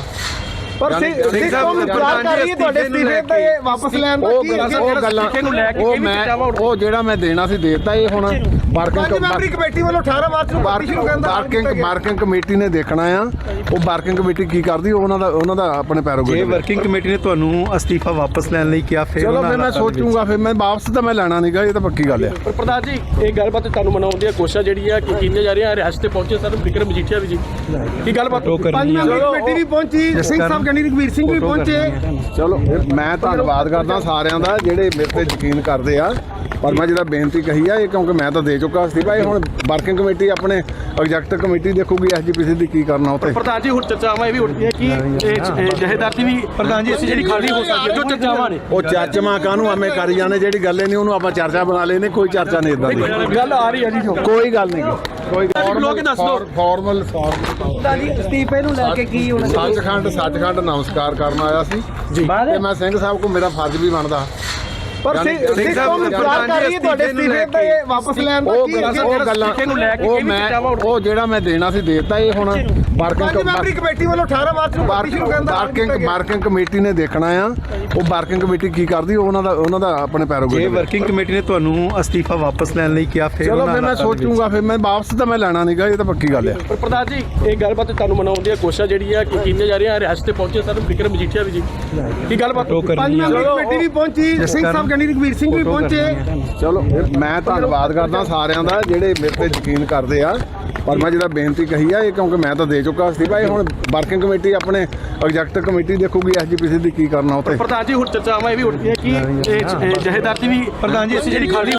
[SPEAKER 2] ਪਰ ਸਿੱਖ ਕੌਮ ਇੰਤਜ਼ਾਰ ਕਰ ਰਹੀ ਹੈ ਤੁਹਾਡੇ ਅਸਤੀਫੇ ਤੇ ਵਾਪਸ ਲੈਣ ਦਾ
[SPEAKER 1] ਉਹ
[SPEAKER 2] ਕੀ
[SPEAKER 1] ਗੱਲਾਂ ਉਹ ਗੱਲਾਂ ਉਹ ਮੈਂ ਉਹ ਜਿਹੜਾ ਮੈਂ ਦੇਣਾ ਸੀ ਦੇਤਾ ਇਹ ਹੁਣ
[SPEAKER 2] ਪੰਜ ਮੈਂਬਰੀ
[SPEAKER 1] ਵਰਕਿੰਗ
[SPEAKER 2] ਕਮੇਟੀ ਵੱਲੋਂ ਅਠਾਰਾਂ ਮਾਰਚ ਨੂੰ ਪਾਰਟੀ ਸ਼ੁਰੂ ਕਰਨ ਦਾ ਐਲਾਨ ਕੀਤਾ
[SPEAKER 1] ਵਰਕਿੰਗ
[SPEAKER 2] ਗਿਆ।
[SPEAKER 1] ਵਰਕਿੰਗ ਕਮੇਟੀ ਨੇ ਦੇਖਣਾ ਆ ਉਹ ਵਰਕਿੰਗ ਕਮੇਟੀ ਕੀ ਕਰਦੀ ਉਹ ਉਹਨਾਂ ਦਾ ਉਹਨਾਂ ਦਾ ਆਪਣੇ
[SPEAKER 3] ਜੇ
[SPEAKER 1] ਪੈਰੋਗੇ
[SPEAKER 3] ਵਰਕਿੰਗ ਕਮੇਟੀ ਨੇ ਤੁਹਾਨੂੰ ਅਸਤੀਫਾ ਵਾਪਸ ਲੈਣ ਲਈ ਕਿਹਾ ਫਿਰ
[SPEAKER 1] ਚਲੋ
[SPEAKER 3] ਉਹਨਾਂ
[SPEAKER 1] ਫਿਰ ਮੈਂ
[SPEAKER 3] ਹਾਲਾਤਾਂ ਦੇ ਵਿੱਚ-
[SPEAKER 1] ਸੋਚੂਗਾ ਫਿਰ ਮੈਂ ਵਾਪਸ ਤਾਂ ਮੈਂ ਲੈਣਾ ਨਹੀਂਗਾ ਇਹ ਤਾਂ ਪੱਕੀ ਗੱਲ ਆ।
[SPEAKER 4] ਪਰ ਪ੍ਰਧਾਨ ਜੀ ਇਹ ਗੱਲਬਾਤ ਤੁਹਾਨੂੰ ਮਨਾਉਣ ਦੀਆਂ ਕੋਸ਼ਿਸ਼ਾਂ ਜਿਹੜੀ ਆ ਕਿ ਕੀਤੀਆਂ ਜਾ ਰਹੀਆਂ ਰਿਹਾਸਤ ਤੇ ਪਹੁੰਚੇ ਸਰ ਵਿਕਰਮ ਮਜੀਠੀਆ ਵੀ ਜੀ ਕੀ ਗੱਲਬਾਤ
[SPEAKER 3] ਫੋਟੋ ਕਰਨੀ
[SPEAKER 2] ਪੰਜ
[SPEAKER 3] ਆ।
[SPEAKER 2] ਮੈਂਬਰੀ ਕਮੇਟੀ ਵੀ ਪਹੁੰਚੀ ਸਿੰਘ ਸਾਹਿਬ ਕਹਿੰਦੀ ਰਘਵੀਰ ਸਿੰਘ ਵੀ ਪਹੁੰਚੇ
[SPEAKER 1] ਚਲੋ ਮੈਂ ਧੰਨਵਾਦ ਕਰਦਾ ਸਾਰਿਆਂ ਦਾ ਜਿਹੜੇ ਮੇਰੇ ਤੇ ਯਕੀਨ ਕਰਦੇ ਆ ਪਰ ਮੈਂ ਜਿਹੜਾ ਬੇਨਤੀ ਕਹੀ ਆ ਇਹ ਕਿਉਂਕਿ ਮੈਂ ਤਾਂ ਦੇ ਚੁੱਕਾ ਅਸਤੀਫਾ ਇਹ ਹੁਣ ਵਰਕਿੰਗ ਕਮੇਟੀ ਆਪਣੇ ਐਗਜ਼ੈਕਟਿਵ ਕਮੇਟੀ ਦੇਖੂਗੀ ਐਸਜੀਪੀਸੀ ਦੀ ਕੀ ਕਰਨਾ ਉੱਤੇ।
[SPEAKER 4] ਪ੍ਰਧਾਨ ਜੀ ਹੁਣ ਚਰਚਾਵਾਂ ਇਹ ਵੀ ਉੱਠਦੀਆਂ ਕਿ ਇਹ ਜਹੇਦਾਰ ਦੀ ਵੀ ਪ੍ਰਧਾਨ ਜੀ ਅਸੀਂ ਜਿਹੜੀ ਖਾਲੀ ਹੋ ਸਕਦੀ ਹੈ ਜੋ ਚਰਚਾਵਾਂ ਨੇ
[SPEAKER 1] ਉਹ ਚਾਚਮਾ ਕਾਹਨੂੰ ਐਵੇਂ ਕਰੀ ਜਾਂਦੇ ਜਿਹੜੀ ਗੱਲ ਹੀ ਨਹੀਂ ਉਹਨੂੰ ਆਪਾਂ ਚਰਚਾ ਬਣਾ ਲੈਨੇ ਕੋਈ ਚਰਚਾ ਨਹੀਂ ਇਦਾਂ ਦੀ
[SPEAKER 4] ਗੱਲ ਆ ਰਹੀ ਹੈ ਜੀ ਜੋ
[SPEAKER 1] ਕੋਈ ਗੱਲ ਨਹੀਂ ਕੋਈ
[SPEAKER 4] ਬੁਲਾ ਕੇ ਦੱਸ ਦਿਓ।
[SPEAKER 1] ਫਾਰਮਲ ਫਾਰਮਲ
[SPEAKER 2] ਜੀ ਅਸਤੀਫੇ ਨੂੰ ਲੈ ਕੇ ਕੀ ਹੋਣਾ
[SPEAKER 1] ਸੱਚਖੰਡ ਸੱਚਖੰਡ ਨਮਸਕਾਰ ਕਰਨ ਆਇਆ ਸੀ ਤੇ ਮੈਂ ਸਿੰਘ ਸਾਹਿਬ ਕੋ ਮੇਰਾ ਫਰਜ਼ ਵੀ ਬਣਦਾ
[SPEAKER 2] ਪਰ ਸਿੱਖ ਕੌਮ ਇੰਤਜ਼ਾਰ ਕਰ ਰਹੀ ਹੈ ਤੁਹਾਡੇ ਅਸਤੀਫੇ ਤੇ ਵਾਪਸ ਲੈਣ ਦਾ
[SPEAKER 1] ਉਹ
[SPEAKER 2] ਕੀ
[SPEAKER 1] ਗੱਲਾਂ ਉਹ ਗੱਲਾਂ
[SPEAKER 4] ਨੂੰ ਲੈ ਕੇ
[SPEAKER 1] ਉਹ
[SPEAKER 4] ਕਿਹੜੀ
[SPEAKER 1] ਮੈਂ
[SPEAKER 4] ਚਰਚਾਵਾਂ
[SPEAKER 1] ਉਹ ਜਿਹੜਾ ਮੈਂ ਦੇਣਾ ਸੀ ਦੇਤਾ ਇਹ ਹੁਣ
[SPEAKER 2] ਪੰਜ ਮੈਂਬਰੀ
[SPEAKER 1] ਵਰਕਿੰਗ
[SPEAKER 2] ਕਮੇਟੀ ਵੱਲੋਂ ਅਠਾਰਾਂ ਮਾਰਚ ਨੂੰ ਪਾਰਟੀ ਸ਼ੁਰੂ ਕਰਨ ਦਾ ਐਲਾਨ ਕੀਤਾ
[SPEAKER 1] ਵਰਕਿੰਗ
[SPEAKER 2] ਗਿਆ।
[SPEAKER 1] ਵਰਕਿੰਗ ਕਮੇਟੀ ਨੇ ਦੇਖਣਾ ਆ ਉਹ ਵਰਕਿੰਗ ਕਮੇਟੀ ਕੀ ਕਰਦੀ ਉਹ ਉਹਨਾਂ ਦਾ ਉਹਨਾਂ ਦਾ ਆਪਣੇ
[SPEAKER 3] ਜੇ
[SPEAKER 1] ਪੈਰੋਗੇ
[SPEAKER 3] ਵਰਕਿੰਗ ਕਮੇਟੀ ਨੇ ਤੁਹਾਨੂੰ ਅਸਤੀਫਾ ਵਾਪਸ ਲੈਣ ਲਈ ਕਿਹਾ ਫਿਰ
[SPEAKER 1] ਚਲੋ
[SPEAKER 3] ਉਹਨਾਂ
[SPEAKER 1] ਫਿਰ ਮੈਂ
[SPEAKER 3] ਹਾਲਾਤਾਂ ਦੇ ਵਿੱਚ-
[SPEAKER 1] ਸੋਚੂਗਾ ਫਿਰ ਮੈਂ ਵਾਪਸ ਤਾਂ ਮੈਂ ਲੈਣਾ ਨਹੀਂਗਾ ਇਹ ਤਾਂ ਪੱਕੀ ਗੱਲ ਆ।
[SPEAKER 4] ਪਰ ਪ੍ਰਧਾਨ ਜੀ ਇਹ ਗੱਲਬਾਤ ਤੁਹਾਨੂੰ ਮਨਾਉਣ ਦੀਆਂ ਕੋਸ਼ਿਸ਼ਾਂ ਜਿਹੜੀ ਆ ਕਿ ਕੀਤੀਆਂ ਜਾ ਰਹੀਆਂ ਰਿਹਾਸਤ ਤੇ ਪਹੁੰਚੇ ਸਰ ਵਿਕਰਮ ਮਜੀਠੀਆ ਵੀ ਜੀ ਕੀ ਗੱਲਬਾਤ
[SPEAKER 3] ਫੋਟੋ
[SPEAKER 2] ਪੰਜ
[SPEAKER 3] ਕਰਨੀ ਆ।
[SPEAKER 2] ਮੈਂਬਰੀ ਕਮੇਟੀ ਵੀ ਪਹੁੰਚੀ ਸਿੰਘ ਸਾਹਿਬ ਕਹਿੰਦੀ ਰਘਵੀਰ ਸਿੰਘ ਵੀ ਪਹੁੰਚੇ
[SPEAKER 1] ਚਲੋ ਮੈਂ ਧੰਨਵਾਦ ਕਰਦਾ ਸਾਰਿਆਂ ਦਾ ਜਿਹੜੇ ਮੇਰੇ ਤੇ ਯਕੀਨ ਕਰਦੇ ਆ ਪਰ ਮੈਂ ਜਿਹੜਾ ਬੇਨਤੀ ਕਹੀ ਆ ਇਹ ਕਿਉਂਕਿ ਮੈਂ ਤਾਂ ਦੇ ਚੁੱਕਾ ਅਸਤੀਫਾ ਇਹ ਹੁਣ ਵਰਕਿੰਗ ਕਮੇਟੀ ਆਪਣੇ ਐਗਜ਼ੈਕਟਿਵ ਕਮੇਟੀ ਦੇਖੂਗੀ ਐਸਜੀਪੀਸੀ ਦੀ ਕੀ ਕਰਨਾ ਉੱਤੇ।
[SPEAKER 4] ਪ੍ਰਧਾਨ ਜੀ ਹੁਣ ਚਰਚਾਵਾਂ ਇਹ ਵੀ ਉੱਠਦੀਆਂ ਕਿ ਇਹ ਜਹੇਦਾਰ ਦੀ ਵੀ ਪ੍ਰਧਾਨ ਜੀ ਅਸੀਂ ਜਿਹੜੀ ਖਾਲੀ